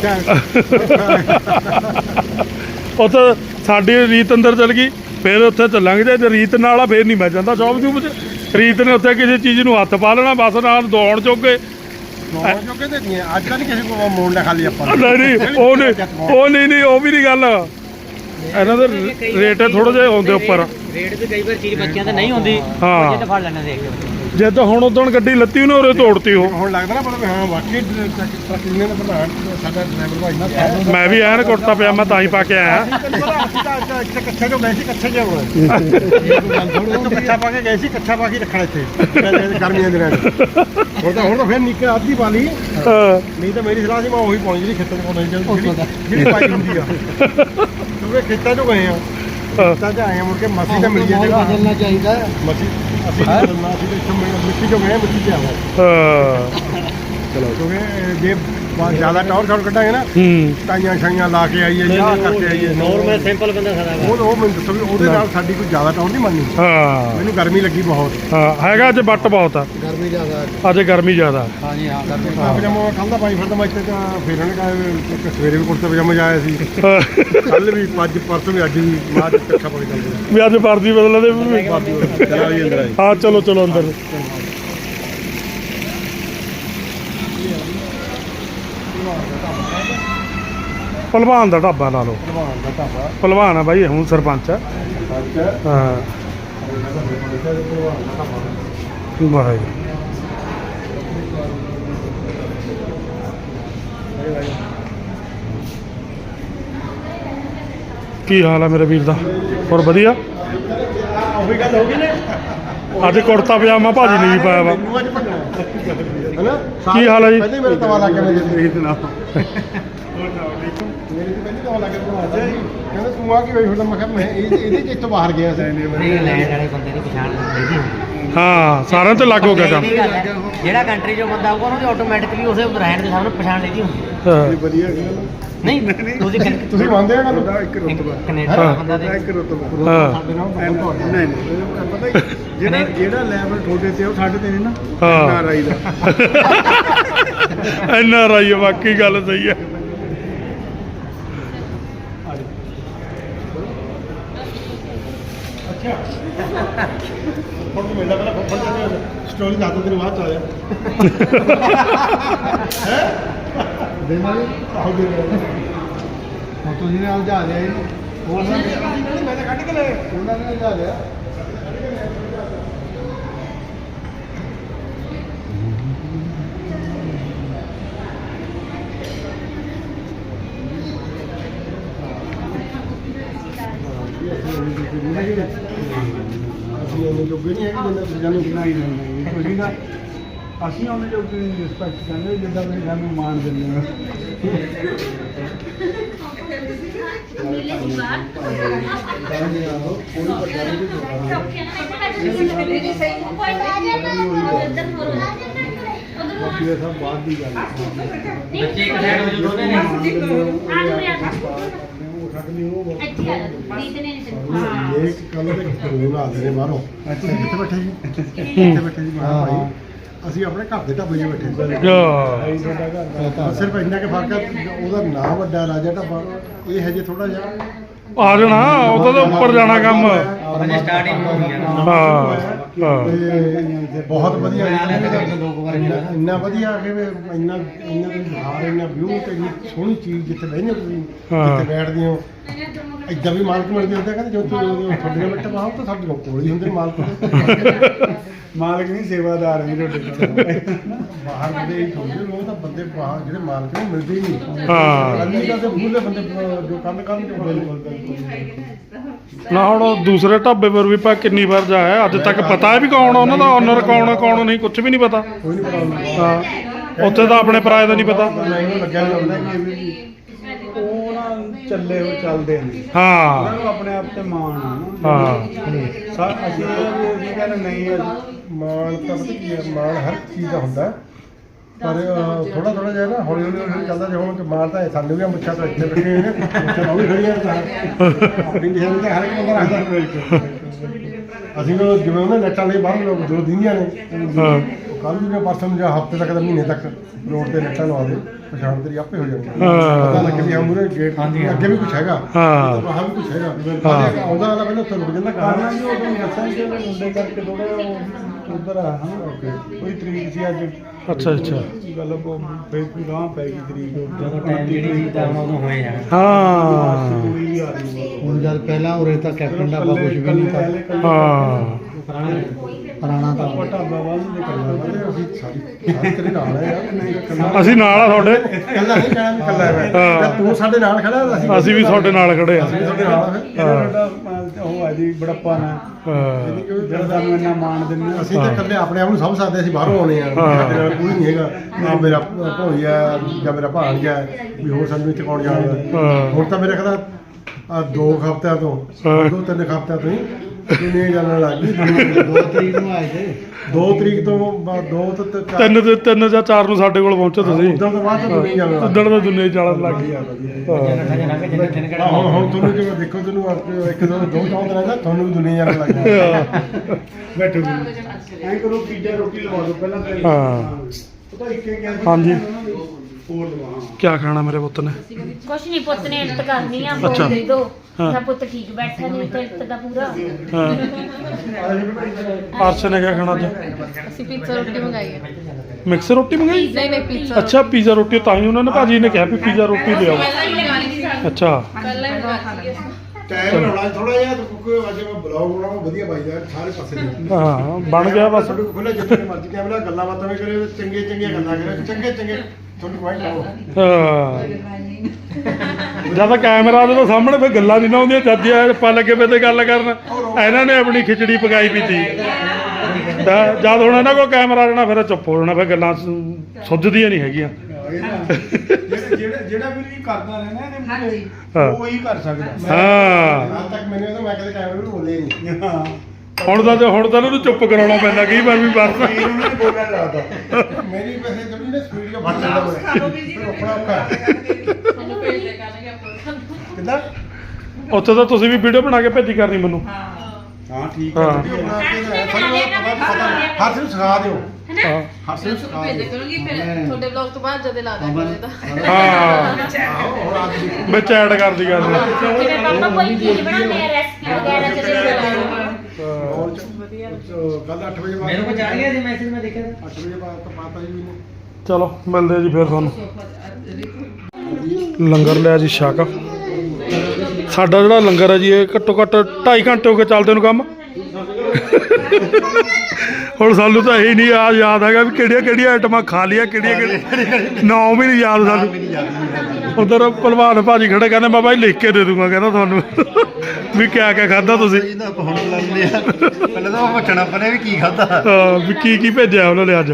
ਇੱਛਾ ਉੱਥੇ ਸਾਡੀ ਰੀਤ ਅੰਦਰ ਚਲ ਗਈ ਫਿਰ ਉੱਥੇ ਚੱਲਾਂਗੇ ਜੇ ਜੇ ਰੀਤ ਨਾਲ ਆ ਫਿਰ ਨਹੀਂ ਮੈਂ ਜਾਂਦਾ ਸ਼ੌਪ ਜੂਬ ਚ ਰੀਤ ਨੇ ਉੱਥੇ ਕਿਸੇ ਚੀਜ਼ ਨੂੰ ਹੱਥ ਪਾ ਲੈਣਾ ਬਸ ਨਾਲ ਦੌੜ ਚੋਕੇ ਨੌਂ ਜੋ ਕਹਿੰਦੇ ਨਹੀਂ ਅੱਜ ਕੱਲ੍ਹ ਨੀ ਕਿਸੇ ਕੋਲ ਮੋੜ ਲੈ ਖਾਲੀ ਆਪਾਂ ਨੂੰ। ਨਹੀਂ ਨਹੀਂ ਉਹ ਨਹੀਂ ਉਹ ਨਹੀਂ ਨਹੀਂ ਉਹ ਵੀ ਨਹੀਂ ਗੱਲ ਇਹਨਾਂ ਦੇ ਰੇਟ ਥੋੜੇ ਜਿਹੇ ਹੁੰਦੇ ਉੱਪਰ ਰੇਟ ਵੀ ਕਈ ਵਾਰ ਚੀਜ਼ ਬੱਚਿਆਂ ਤੇ ਨਹੀਂ ਹੁੰਦੀ ਹਾਂ। ਉਹ ਜਿੱਦ ਫੜ ਲੈਣਾ ਦੇਖ ਕੇ ਜੇ ਤਾਂ ਹੁਣ ਉਦੋਂ ਗੱਡੀ ਲੱਤੀ ਉਹਨੇ ਉਰੇ ਤੋੜਤੀ ਉਹ ਹੁਣ ਲੱਗਦਾ ਨਾ ਪਤਾ ਵੀ ਹਾਂ ਵਾਕਈ ਟਰੱਕ ਯੂਨੀਅਨ ਦਾ ਪ੍ਰਧਾਨ ਸਾਡਾ ਡਰਾਈਵਰ ਭਾਈ ਨਾ ਹੈ ਮੈਂ ਵੀ ਐਨ ਕੁੜਤਾ ਪਜਾਮਾ ਤਾਂ ਹੀ ਪਾ ਕੇ ਆਇਆ ਕੱਛੇ ਜੋ ਗਏ ਸੀ ਕੱਛੇ ਜੋ ਕੱਛਾ ਪਾ ਕੇ ਗਏ ਸੀ ਕੱਛਾ ਪਾ ਕੇ ਰੱਖਣਾ ਇੱਥੇ ਗਰਮੀਆਂ ਦੇ ਦਿਨਾਂ 'ਚ ਹੁਣ ਤਾਂ ਹੁਣ ਤਾਂ ਫਿਰ ਨਿੱਕੇ ਆਦੀ ਪਾ ਲਈ ਹਾਂ। ਨਹੀਂ ਤਾਂ ਮੇਰੀ ਸਲਾਹ ਸੀ ਮੈਂ ਉਹੀ ਪਾਉਣੀ ਜਿਹੜੀ ਖੇਤਾਂ 'ਚ ਪਾਉਣੀ ਜਿਹੜੀ ਜਿਹੜੀ ਪਾਈ ਹੁੰਦੀ ਆ ਕਿਉਂਕਿ ਖੇਤਾਂ 'ਚੋਂ ਗਏ ਆ ਖੇਤਾਂ 'ਚ ਆਏ ਆ ਮੁੜ ਕੇ ਮਾਸੀ ਤਾਂ ਮਿਲੀ ਆ ਜਗ੍ਹਾ ਬਦਲਣਾ ਚਾਹੀਦਾ ਹੈ। ਮੱਛੀ ਅਸੀਂ ਨਹੀਂ ਬਦਲਣਾ ਅਸੀਂ ਤਾਂ ਇੱਥੋਂ ਮਿਲ- ਮਿੱਟੀ 'ਚੋਂ ਗਏ ਆ, ਮਿੱਟੀ 'ਚ ਆਵਾਂ ਹਾਂ। ਚਲੋ ਕਿਉਂਕਿ ਜੇ ਬਹੁਤ ਜ਼ਿਆਦਾ ਟੌਰ ਸ਼ੌਰ ਕੱਢਾਂਗੇ ਨਾ ਹੂੰ ਟਾਈਆਂ ਛਾਈਆਂ ਲਾ ਕੇ ਆਈਏ ਜਾਂ ਆਹ ਕਰਕੇ ਆਈਏ ਨੋਰਮਲ ਸਿੰਪਲ ਬੰਦਾ ਸਾਰਾ ਉਹ ਉਹ ਮੈਨੂੰ ਦੱਸੋ ਵੀ ਉਹਦੇ ਨਾਲ ਸਾਡੀ ਕੋਈ ਜ਼ਿਆਦਾ ਟੌਰ ਨਹੀਂ ਮੰਨਣੀ ਹਾਂ ਮੈਨੂੰ ਗਰਮੀ ਲੱਗੀ ਬਹੁਤ ਹਾਂ ਹੈਗਾ ਅੱਜ ਬੱਟ ਬਹੁਤ ਆ ਗਰਮੀ ਜ਼ਿਆਦਾ ਹੈ। ਅੱਜ ਗਰਮੀ ਜ਼ਿਆਦਾ ਹਾਂਜੀ ਹਾਂ ਗਰਮੀ ਕੁੜਤਾ ਪਜਾਮਾ ਕੱਲ੍ਹ ਦਾ ਪਾਈ ਫਿਰਦਾ ਮੈਂ ਇੱਥੇ ਤਾਂ ਫੇਰਨ ਕਾ ਸਵੇਰੇ ਵੀ ਕੁੜਤਾ ਪਜਾਮਾ ਜਾਇਆ ਸੀ ਹਾਂ। ਕੱਲ ਵੀ ਅੱਜ ਪਰਸੋਂ ਵੀ ਅੱਜ ਵੀ ਮਾਂ ਚ ਕੱਖਾ ਪਾ ਕੇ ਚੱਲਦੇ ਵੀ ਅੱਜ ਵਰਦੀ ਬਦਲ ਦੇ ਚਲਾ ਵੀ ਅੰਦਰ ਆਈ ਹਾਂ ਚਲੋ ਚਲੋ ਅੰਦਰ ਭਲਵਾਨ ਦਾ ਢਾਬਾ ਲਾ ਲਓ ਭਲਵਾਨ ਦਾ ਢਾਬਾ ਭਲਵਾਨ ਆ ਬਾਈ ਹੁਣ ਸਰਪੰਚ ਆ ਸੱਚ ਹਾਂ ਭਲਵਾਨ ਦਾ ਢਾਬਾ ਵਾਹਿਗੁਰੂ ਕੀ ਹਾਲ ਆ ਮੇਰੇ ਵੀਰ ਦਾ ਹੋਰ ਵਧੀਆ ਉਹੀ ਗੱਲ ਹੋ ਗਈ ਨੇ ਅੱਜ ਕੁੜਤਾ ਪਜਾਮਾ ਭਾਜੀ ਨੇ ਵੀ ਪਾਇਆ ਵਾ ਮੈਨੂੰ ਅੱਜ ਭੱਜਣਾ ਹੈਨਾ ਕੀ ਹਾਲ ਹੈ ਜੀ? ਪਹਿਲੇ ਮੇਰਾ ਤਵਾ ਲੱਗ ਗਿਆ ਮੇਰੇ ਤੇ ਤੇ ਨਾ ਮੇਰੇ ਤੇ ਪਹਿਲੇ ਤਵਾ ਲੱਗ ਗਿਆ ਭਲਵਾਨ ਦਾ ਕਹਿੰਦਾ ਤੂੰ ਆ ਕੀ ਹੋਈ ਫਿਰ ਮੈਂ ਕਿਹਾ ਮੈਂ ਇਹ- ਇਹਦੇ ਚ ਇੱਥੋਂ ਬਾਹਰ ਗਿਆ ਸੀ ਨਹੀਂ ਲੈਂਡ ਵਾਲੇ ਬੰਦੇ ਦੀ ਪਛਾਣ ਲੈਂਦੀ ਹੁੰਦੀ ਹਾਂ ਸਾਰਿਆਂ ਤੇ ਲੱਗ ਹੋ ਗਿਆ ਕੰਮ ਇਹ ਗੱਲ ਹੈ, ਜਿਹੜਾ ਕੰਟਰੀ ਚੋਂ ਬੰਦਾ ਆਊਗਾ ਉਹਨੂੰ ਆਟੋਮੈਟਿਕਲੀ ਉਸੇ ਰਹਿਣ ਦੇ ਸਾਹਮਣੇ ਪਛਾਣ ਲੈਂਦੀ ਹੁੰਦੀ ਹਾਂ। ਇਹ ਵਧੀਆ ਗੱਲ ਨਹੀਂ ਤੁਸੀਂ ਕਨ- ਤੁਸੀਂ ਮੰਨਦੇ ਹੋ ਨਾ ਇੱਕ ਇੱਕ ਕੈਨੇਡਾ ਦਾ ਬੰਦਾ ਦੇ ਇੱਕ ਰੁਤਬਾ ਹਾਂ। ਸਾਡੇ ਨਾਲ ਬਹੁਤ ਹੋ ਗਿਆ ਨਹੀਂ ਨਹੀਂ ਪਤਾ ਹੀ ਜਿਹੜਾ ਜਿਹੜਾ ਲੈਵਲ ਤੁਹਾਡੇ ਤੇ ਉਹ ਸਾਡੇ ਤੇ ਨਹੀਂ ਨਾ ਹਾਂ। ਨਾ ਰਾਈ ਦਾ ਇੰਨਾ ਰਾਈ ਆ, ਵਾਕਈ ਗੱਲ ਸਹੀ ਹੈ ਅੱਛਾ ਹੁਣ ਤੂੰ ਮੇਲਾ ਪਹਿਲਾਂ ਫੁੱਫੜ ਦੇ ਸਟੋਰੀ ਦੱਸ ਦੋ ਤੈਨੂੰ ਬਾਅਦ ਚ ਆਇਆ ਹੈ ਦੇਵਾਂਗੇ ਆਹੋ ਦੇ ਹੁਣ ਤੁਸੀਂ ਨਾਲ ਜਾ ਲਿਆ ਇਹ ਉਹਨਾਂ ਨੇ ਮੈਂ ਤਾਂ ਕੱਢ ਕੇ ਲੈ ਉਹਨਾਂ ਨੇ ਜਾ ਲਿਆ ਅਸੀਂ ਉਹਨੇ ਜੋਗੇ ਨਹੀਂ ਹੈਗੇ ਜਿੰਨਾ ਤੁਸੀਂ ਜਾਨੂੰ ਨਹੀਂ ਨਹੀਂ ਤੁਸੀਂ ਨਾ ਅਸੀਂ ਉਹਨੇ ਜੋ ਕਿ ਰਿਸਪੈਕਟ ਕਰਦੇ ਜਿੱਦਾਂ ਵੀ ਸਾਨੂੰ ਮਾਣ ਦਿੰਦੇ ਹੋ ਨੀਲੇ ਦੀ ਬਾਤ ਕਹਿੰਦੇ ਆ ਉਹ ਕੋਈ ਵੱਡਾ ਨਹੀਂ ਕੋਈ ਛੋਟਾ ਨਹੀਂ ਚੌਕੀਆਂ ਨਾਲ ਬੈਠੇ ਸਹੀ ਕੋਈ ਆ ਜਾ ਉਧਰ ਹੋਰ ਉਧਰ ਬਾਕੀ ਇਹ ਸਭ ਬਾਅਦ ਦੀ ਗੱਲ ਹੈ ਬੱਚੇ ਇੱਕ ਸਾਈਡ ਹੋ ਜੋ ਦੋਨੇ ਨੇ ਆ ਨੂੰ ਰਿਆ ਉਹ ਛੱਡ ਨਹੀਂ ਉਹ ਇੱਥੇ ਆ ਰੀਤ ਨੇ ਨਹੀਂ ਇਹ ਕੱਲ ਦੇ ਫੋਨ ਆਦੇ ਨੇ ਬਾਹਰੋਂ ਤੁਸੀਂ ਕਿੱਥੇ ਬੈਠੇ ਜੀ ਕਿੱਥੇ ਬੈਠੇ ਜੀ ਮਾਂ ਭਾਈ ਅਸੀਂ ਆਪਣੇ ਘਰ ਦੇ ਢਾਬੇ 'ਚ ਬੈਠੇ ਸੀ ਆਈ ਤੁਹਾਡਾ ਘਰ ਦਾ ਸਿਰਫ ਇੰਨਾ ਕਿ ਫਰਕ ਹੈ ਉਹਦਾ ਨਾਂ ਵੱਡਾ ਰਾਜਾ ਢਾਬਾ ਇਹ ਹਜੇ ਥੋੜਾ ਜਿਹਾ ਆ ਜਾਣਾ ਉਹਦਾ ਤਾਂ ਉੱਪਰ ਜਾਣਾ ਕੰਮ ਅਜੇ ਸਟਾਰਟਿੰਗ ਹੋ ਗਈ ਹੈ ਨਾ ਹਾਂ ਹਾਂ ਤੇ ਬਹੁਤ ਵਧੀਆ ਇੰਨਾ ਇੰਨਾ ਵਧੀਆ ਕਿ ਵੀ ਇੰਨਾ ਇੰਨਾ ਤੁਸੀਂ ਬਾਹਰ ਇੰਨਾ ਵਿਊ ਤੇ ਇੰਨੀ ਸੋਹਣੀ ਚੀਜ਼ ਜਿੱਥੇ ਬਹਿੰਦੇ ਹੋ ਤੁਸੀਂ ਹਾਂ। ਜਿੱਥੇ ਬੈਠਦੇ ਹੋ ਏਦਾਂ ਵੀ ਮਾਲਕ ਮਿਲਦੇ ਹੁੰਦੇ ਆ, ਕਹਿੰਦੇ ਜੋ ਤੁਸੀਂ ਤੁਹਾਡੇ ਨਾਲ ਬੈਠੇ ਬਾਹਰ ਤਾਂ ਸਾਡੇ ਕੋਲ ਹੀ ਹੁੰਦੇ ਨੇ ਮਾਲਕ ਮਾਲਕ ਨਹੀਂ ਸੇਵਾਦਾਰ ਨਹੀਂ ਤੁਹਾਡੇ ਕੋਲ ਬਾਹਰ ਜਿਹੜੇ ਹੀ ਹੁੰਦੇ ਨੇ ਉਹ ਤਾਂ ਬੰਦੇ ਬਾਹਰ ਜਿਹੜੇ ਮਾਲਕ ਨੇ ਮਿਲਦੇ ਹੀ ਨਹੀਂ ਹਾਂ ਅੰਦਰ ਦੇ ਮੂਹਰੇ ਬੰਦੇ ਜੋ ਕੰਮ ਕਰਨ ਜੋ ਬਿਲਕੁਲ ਬਿਲਕੁਲ ਨਾ ਹੁਣ ਉਹ ਦੂਸਰੇ ਢਾਬੇ ਪਰ ਵੀ ਆਪਾਂ ਕਿੰਨੀ ਵਾਰ ਜਾਇਆ ਅੱਜ ਤੱਕ ਪਤਾ ਹੈ ਵੀ ਕੌਣ ਆ ਉਹਨਾਂ ਦਾ ਓਨਰ ਕੌਣ ਆ ਕੌਣ ਨਹੀਂ ਕੁਝ ਵੀ ਨਹੀਂ ਪਤਾ ਕੋਈ ਨਹੀਂ ਪਤਾ ਹੁੰਦਾ ਹਾਂ ਉੱਥੇ ਤਾਂ ਆਪਣੇ ਪਰਾਏ ਦਾ ਨਹੀਂ ਪਤਾ ਮੈਨੂੰ ਲੱਗਿਆ ਵੀ ਹੁੰਦਾ ਕਿ ਵੀ ਉਹ ਨਾ ਚੱਲੇ ਹੋ ਚੱਲਦੇ ਨੇ ਹਾਂ ਉਹਨਾਂ ਨੂੰ ਆਪਣੇ ਆਪ ਤੇ ਮਾਣ ਆ ਨਾ ਹਾਂ ਸਾ- ਅਸੀਂ ਇਹ ਵੀ ਅਸੀਂ ਕਹਿੰਦੇ ਨਹੀਂ ਅਸੀਂ ਮਾਣ ਤਾਂ ਪਤਾ ਕੀ ਹੈ ਮਾਣ ਹਰ ਚੀਜ਼ ਦਾ ਹੁੰਦਾ ਪਰ ਥੋੜਾ ਥੋੜਾ ਜਿਹਾ ਨਾ ਹੌਲੀ ਹੌਲੀ ਹੌਲੀ ਚੱਲਦਾ ਜੇ ਹੁਣ ਕਿ ਮਾਣ ਤਾਂ ਸਾਨੂੰ ਵੀ ਆ ਮੁੱਛਾਂ ਤਾਂ ਇੱਥੇ ਬੈਠੇ ਹੋਏ ਨੇ ਮੁੱਛਾਂ ਉਹ ਵੀ ਖੜੀਆਂ ਤਾਂ ਆਪਣੀ ਨਿਸ਼ਾਨੀ ਤਾਂ ਹਰ ਇੱਕ ਬੰਦਾ ਰੱਖਦਾ ਅਸੀਂ ਉਹ ਜਿਵੇਂ ਉਹਨੇ ਨੈਟਾਂ ਲਈ ਬਾਹਰ ਲੋਕ ਦੋ ਦਿੰਦੀਆਂ ਨੇ ਹਾਂ ਕੱਲ ਨੂੰ ਜਾਂ ਪਰਸੋਂ ਨੂੰ ਜਾਂ ਹਫ਼ਤੇ ਤੱਕ ਦਾ ਮਹੀਨੇ ਤੱਕ ਰੋਡ ਤੇ ਨੈਟਾਂ ਲਵਾ ਦੇ ਪਛਾਣ ਤੇਰੀ ਆਪੇ ਹੋ ਜਾਣੀ ਹਾਂ। ਪਤਾ ਲੱਗੇ ਵੀ ਆ ਮੂਰੇ ਗੇਟ ਅੱਗੇ ਵੀ ਕੁਛ ਹੈਗਾ ਹਾਂ। ਬਾਹਰ ਵੀ ਕੁਛ ਹੈਗਾ ਹਾਂ। ਆਉਂਦਾ ਵਾਲਾ ਪਹਿਲਾਂ ਉੱਥੇ ਰੁਕ ਜਾਂਦਾ ਕਾਰਨ ਕਾਰਨ ਜੀ ਉਦੋਂ ਦੱਸਾਂ ਕਿ ਉਹਦੇ ਮੁੰਡੇ ਕਰਕੇ ਥੋੜਾ ਉਧਰ ਆ ਹਾਂ ਓਕੇ ਕੋਈ ਤਰੀਕ ਸੀ ਅੱਜ ਅੱਛਾ ਅੱਛਾ ਗੱਲ ਕੋ ਫੇਰ ਕੋਈ ਰਾਹ ਪੈ ਗਈ ਤਰੀਕ ਜਦੋਂ ਟਾਈਮ ਜਿਹੜੀ ਸੀ ਤਾਂ ਉਦੋਂ ਹੋਏ ਜਾਣਾ ਹਾਂ ਕੋਈ ਵੀ ਆ ਰਹੀ ਹੁਣ ਜਦ ਪਹਿਲਾਂ ਉਰੇ ਤਾਂ ਕੈਪਟਨ ਦਾ ਕੁਝ ਵੀ ਨਹੀਂ ਤਾਂ ਹਾਂ ਪੁਰਾਣਾ ਤਾਂ ਢਾਬਾ ਵੱਲ ਦੇ ਕਰਨਾ ਅਸੀਂ ਸਾਰੀ ਸਾਰੇ ਤੇਰੇ ਨਾਲ ਹੈ ਯਾਰ ਨਹੀਂ ਕੱਲਾ ਅਸੀਂ ਨਾਲ ਆ ਤੁਹਾਡੇ ਕੱਲਾ ਨਹੀਂ ਕਹਿਣਾ ਵੀ ਕੱਲਾ ਹੈ ਹਾਂ। ਮੈਂ ਤੂੰ ਸਾਡੇ ਨਾਲ ਖੜਾ ਅਸੀਂ ਅਸੀਂ ਵੀ ਤੁਹਾਡੇ ਨਾਲ ਖੜੇ ਆ ਅਸੀਂ ਵੀ ਤੁਹਾਡੇ ਨਾਲ ਆ ਫਿਰ ਇਹਦਾ ਤੁਹਾਡਾ ਉਹ ਆ ਜੀ ਬੜੱਪਾ ਨਾ ਹਾਂ ਜਿਹੜਾ ਸਾਨੂੰ ਇੰਨਾ ਮਾਣ ਦਿੰਦੇ ਆ ਅਸੀਂ ਤਾਂ ਇਕੱਲੇ ਆਪਣੇ ਆਪ ਨੂੰ ਸਮਝ ਸਕਦੇ ਅਸੀਂ ਬਾਹਰੋਂ ਆਉਣੇ ਆ ਹਾਂ। ਸਾਡੇ ਨਾਲ ਕੋਈ ਨਹੀਂ ਹੈਗਾ ਨਾ ਮੇਰਾ ਭੋਈ ਆ ਜਾਂ ਮੇਰਾ ਭਾਣਜਾ ਹੈ ਵੀ ਹੋਰ ਸਾਨੂੰ ਇੱਥੇ ਕੌਣ ਜਾਣਦਾ ਹਾਂ। ਹੁਣ ਤਾਂ ਮੇਰੇ ਖਿਆਲ ਆ ਦੋ ਕੁ ਹਫ਼ਤਿਆਂ ਤੋਂ ਹਾਂ। ਦੋ ਤਿੰਨ ਕੁ ਹਫ਼ਤਿਆਂ ਤੋਂ ਹੀ ਦੁਨੀਆ ਜਾਣਨ ਲੱਗ ਗਈ ਦੋ ਤਰੀਕ ਨੂੰ ਆਏ ਤੇ ਦੋ ਤਰੀਕ ਤੋਂ ਬਾ- ਦੋ ਤੋਂ ਤੇ ਚਾਰ ਤਿੰਨ ਤੇ ਤਿੰਨ ਜਾਂ ਚਾਰ ਨੂੰ ਸਾਡੇ ਕੋਲ ਪਹੁੰਚੋ ਤੁਸੀਂ ਉਦੋਂ ਤੋਂ ਬਾਅਦ ਤਾਂ ਦੁਨੀਆ ਜਾਣਨ ਲੱਗ ਉਦਣ ਤਾਂ ਦੁਨੀਆ ਚੱਲਣ ਲੱਗ ਗਈ ਹਾਂ ਹਾਂ, ਹੁਣ ਹੁਣ ਤੁਹਾਨੂੰ ਜਿਵੇਂ ਦੇਖੋ ਤੁਹਾਨੂੰ ਆਪ- ਇੱਕ ਦੋ ਦੋ ਚੌਂਕ ਰਹਿੰਦਾ ਤੁਹਾਨੂੰ ਵੀ ਦੁਨੀਆ ਜਾਣਨ ਲੱਗ ਗਈ ਬੈਠੋ ਜੀ ਐਂ ਕਰੋ ਪੀਜ਼ਾ ਰੋਟੀ ਲਵਾ ਦਿਓ ਪਹਿਲਾਂ ਤਾਂ ਹਾਂ। ਪਤਾ ਇੱਕ ਇੱਕ ਕਹਿੰਦੇ ਹਾਂਜੀ। ਹੋਰ ਲਵਾ ਕੀ ਖਾਣਾ ਮੇਰੇ ਪੁੱਤ ਨੇ ਕੁਛ ਨਹੀਂ ਪੁੱਤ ਨੇ ਇੰਤ ਕਰਨੀ ਆ ਅੱਛਾ। ਬੋਲ ਦੇ ਦੋ ਹਾਂ। ਨਾ ਪੁੱਤ ਠੀਕ ਬੈਠਾ ਨਹੀਂ ਤੇ ਇੰਤ ਦਾ ਪੂਰਾ ਹਾਂ ਅਰਸ਼ ਨੇ ਕੀ ਖਾਣਾ ਅੱਜ ਅਸੀਂ ਪੀਜ਼ਾ ਰੋਟੀ ਮੰਗਾਈ ਹੈ ਮਿਕਸ ਰੋਟੀ ਮੰਗਾਈ ਨਹੀਂ ਨਹੀਂ ਪੀਜ਼ਾ ਅੱਛਾ ਪੀਜ਼ਾ ਰੋਟੀ ਤਾਂ ਹੀ ਉਹਨਾਂ ਨੇ ਭਾਜੀ ਨੇ ਕਿਹਾ ਵੀ ਪੀਜ਼ਾ ਰੋਟੀ ਲਿਆਓ ਪਹਿਲਾਂ ਹੀ ਮੰਗਾ ਲਈ ਸੀ ਸਾਨੂੰ ਅੱਛਾ ਪਹਿਲਾਂ ਹੀ ਮੰਗਾ ਲਈ ਸੀ ਟਾਈਮ ਲਾਉਣਾ ਥੋੜਾ ਜਿਹਾ ਤੇ ਕਿਉਂਕਿ ਅੱਜ ਮੈਂ ਬਲੌਗ ਬਣਾਉਣਾ ਵਧੀਆ ਬਾਈਦਾ ਸਾਰੇ ਪਾਸੇ ਦੇ ਹਾਂ ਬਣ ਗਿਆ ਬਸ ਤੁਹਾਡੇ ਕੋਲ ਜਿੱਥੇ ਮਰਜ਼ੀ ਕੈਮਰਾ ਗੱਲਾਂ ਬਾਤਾਂ ਵੀ ਕਰੇ ਚੰਗੇ ਚੰਗੀਆਂ ਗੱਲਾਂ ਕਰੇ ਚੰਗੇ ਚੰਗੇ ਤੁਹਾਨੂੰ ਪੁਆਇੰਟ ਆਓ ਹਾਂ ਜਦ ਕੈਮਰਾ ਦੇ ਸਾਹਮਣੇ ਫੇ ਗੱਲਾਂ ਨਹੀਂ ਨਾ ਹੁੰਦੀਆਂ ਜੱਜ ਆਪਾਂ ਲੱਗੇ ਪਏ ਤੇ ਗੱਲ ਕਰਨ ਇਹਨਾਂ ਨੇ ਆਪਣੀ ਖਿਚੜੀ ਪਕਾਈ ਪੀਤੀ ਤਾਂ ਜਦ ਹੁਣ ਇਹਨਾਂ ਕੋਲ ਕੈਮਰਾ ਰਹਿਣਾ ਫਿਰ ਚੁੱਪ ਹੋ ਜਾਣਾ ਫਿਰ ਗੱਲਾਂ ਸੁ- ਸੁੱਝਦੀਆਂ ਨਹੀਂ ਹੈਗੀਆਂ ਜਿਹੜਾ ਜਿਹੜਾ ਜਿਹੜਾ ਵੀ ਨਹੀਂ ਕਰਦਾ ਰਹਿਣਾ ਇਹਦੇ ਮੂਹਰੇ ਹਾਂ। ਉਹ ਹੀ ਕਰ ਸਕਦਾ ਹਾਂ ਅੱਜ ਤੱਕ ਮੈਨੂੰ ਤਾਂ ਮੈਂ ਕਦੇ ਕੈਮਰੇ ਨੂੰ ਬੋਲੇ ਨਹੀਂ ਹਾਂ ਹੁਣ ਤਾਂ ਹੁਣ ਤਾਂ ਉਹਨੂੰ ਚੁੱਪ ਕਰਾਉਣਾ ਪੈਂਦਾ ਕਈ ਵਾਰ ਵੀ ਬਸ ਇਹ ਉਹਨੂੰ ਨਹੀਂ ਬੋਲਣ ਲੱਗਦਾ ਮੇਰੀ ਵੈਸੇ ਜਮੀ ਨਾ ਸਪੀਡ ਦਾ ਫੜ ਲੈਂਦਾ ਮੈਂ ਫਿਰ ਔਖਾ ਔਖਾ ਤੁਹਾਨੂੰ ਭੇਜ ਦੇ ਕਰਾਂਗੇ ਆਪਾਂ ਕਿੱਦਾਂ ਉੱਥੇ ਤਾਂ ਤੁਸੀਂ ਵੀ ਵੀਡੀਓ ਬਣਾ ਕੇ ਭੇਜੀ ਕਰਨੀ ਮੈਨੂੰ ਹਾਂ ਠੀਕ ਹਾਂ। ਹੈ ਵੀਡੀਓ ਬਣਾ ਕੇ ਤਾਂ ਸਾਨੂੰ ਪਤਾ ਪਤਾ ਹਰ ਚੀਜ਼ ਸਿਖਾ ਦਿਓ ਹਾਂ ਹਰ ਚੀਜ਼ ਤੁਹਾਨੂੰ ਸਿਖਾ ਭੇਜ ਦੇ ਦਿਓ ਕਰੂੰਗੀ ਫਿਰ ਤੁਹਾਡੇ ਵਲੌਗ ਤੋਂ ਬਾਅਦ ਜਦੇ ਲਾ ਦਿਆ ਕਰੂੰਗਾ ਹਾਂ ਆਹੋ ਹੁਣ ਅੱਜ ਦੇਖੋ ਵਿੱਚ ਐਡ ਕਰ ਦੀ ਗੱਲ ਜਿਵੇਂ ਪਾਪਾ ਕੋਈ ਚੀਜ਼ ਬਣਾਉਂਦੇ ਆ ਰੈਸਪੀ ਵਗੈਰਾ ਚ ਦੇ ਮਾਹੌਲ ਚ ਕੱਲ ਅੱਠ ਵਜੇ ਬਾਅਦ ਮੈਨੂੰ ਕੁਝ ਆ ਗਿਆ ਜੀ ਮੈਸੇਜ ਮੈਂ ਦੇਖਿਆ ਅੱਠ ਵਜੇ ਬਾਅਦ ਤਾਂ ਮਾਤਾ ਜੀ ਮੈਨੂੰ ਚਲੋ ਮਿਲਦੇ ਆ ਜੀ ਫਿਰ ਤੁਹਾਨੂੰ ਲੰਗਰ ਲਿਆ ਜੀ ਛਕ ਸਾਡਾ ਜਿਹੜਾ ਲੰਗਰ ਹੈ ਜੀ ਇਹ ਘੱਟੋ ਘੱਟ ਢਾਈ ਘੰਟੇ ਹੋ ਗਏ ਚੱਲਦੇ ਨੂੰ ਕੰਮ ਹੁਣ ਸਾਨੂੰ ਤਾਂ ਇਹ ਨਹੀਂ ਆ ਯਾਦ ਹੈਗਾ ਵੀ ਕਿਹੜੀਆਂ ਕਿਹੜੀਆਂ ਆਈਟਮਾਂ ਖਾ ਲਈਆਂ ਕਿਹੜੀਆਂ ਕਿਹੜੀਆਂ ਨਾਂ ਵੀ ਨਹੀਂ ਯਾਦ ਸਾਨੂੰ ਉਧਰ ਭਲਵਾਨ ਭਾਜੀ ਖੜੇ ਕਹਿੰਦੇ ਬਾਬਾ ਜੀ ਲਿਖ ਕੇ ਦੇ ਦੂੰਗਾ ਕਹਿੰਦਾ ਤੁਹਾਨੂੰ ਵੀ ਕਿਆ ਕਿਆ ਖਾਧਾ ਤੁਸੀਂ ਹੁਣ ਲੈਂਦੇ ਆ ਪਹਿਲਾਂ ਤਾਂ ਉਹ ਪੁੱਛਣਾ ਪਨੇ ਵੀ ਕੀ ਖਾਦਾ ਹਾਂ ਵੀ ਕੀ ਕੀ ਭੇਜਿਆ ਉਹਨਾਂ ਨੇ ਅੱਜ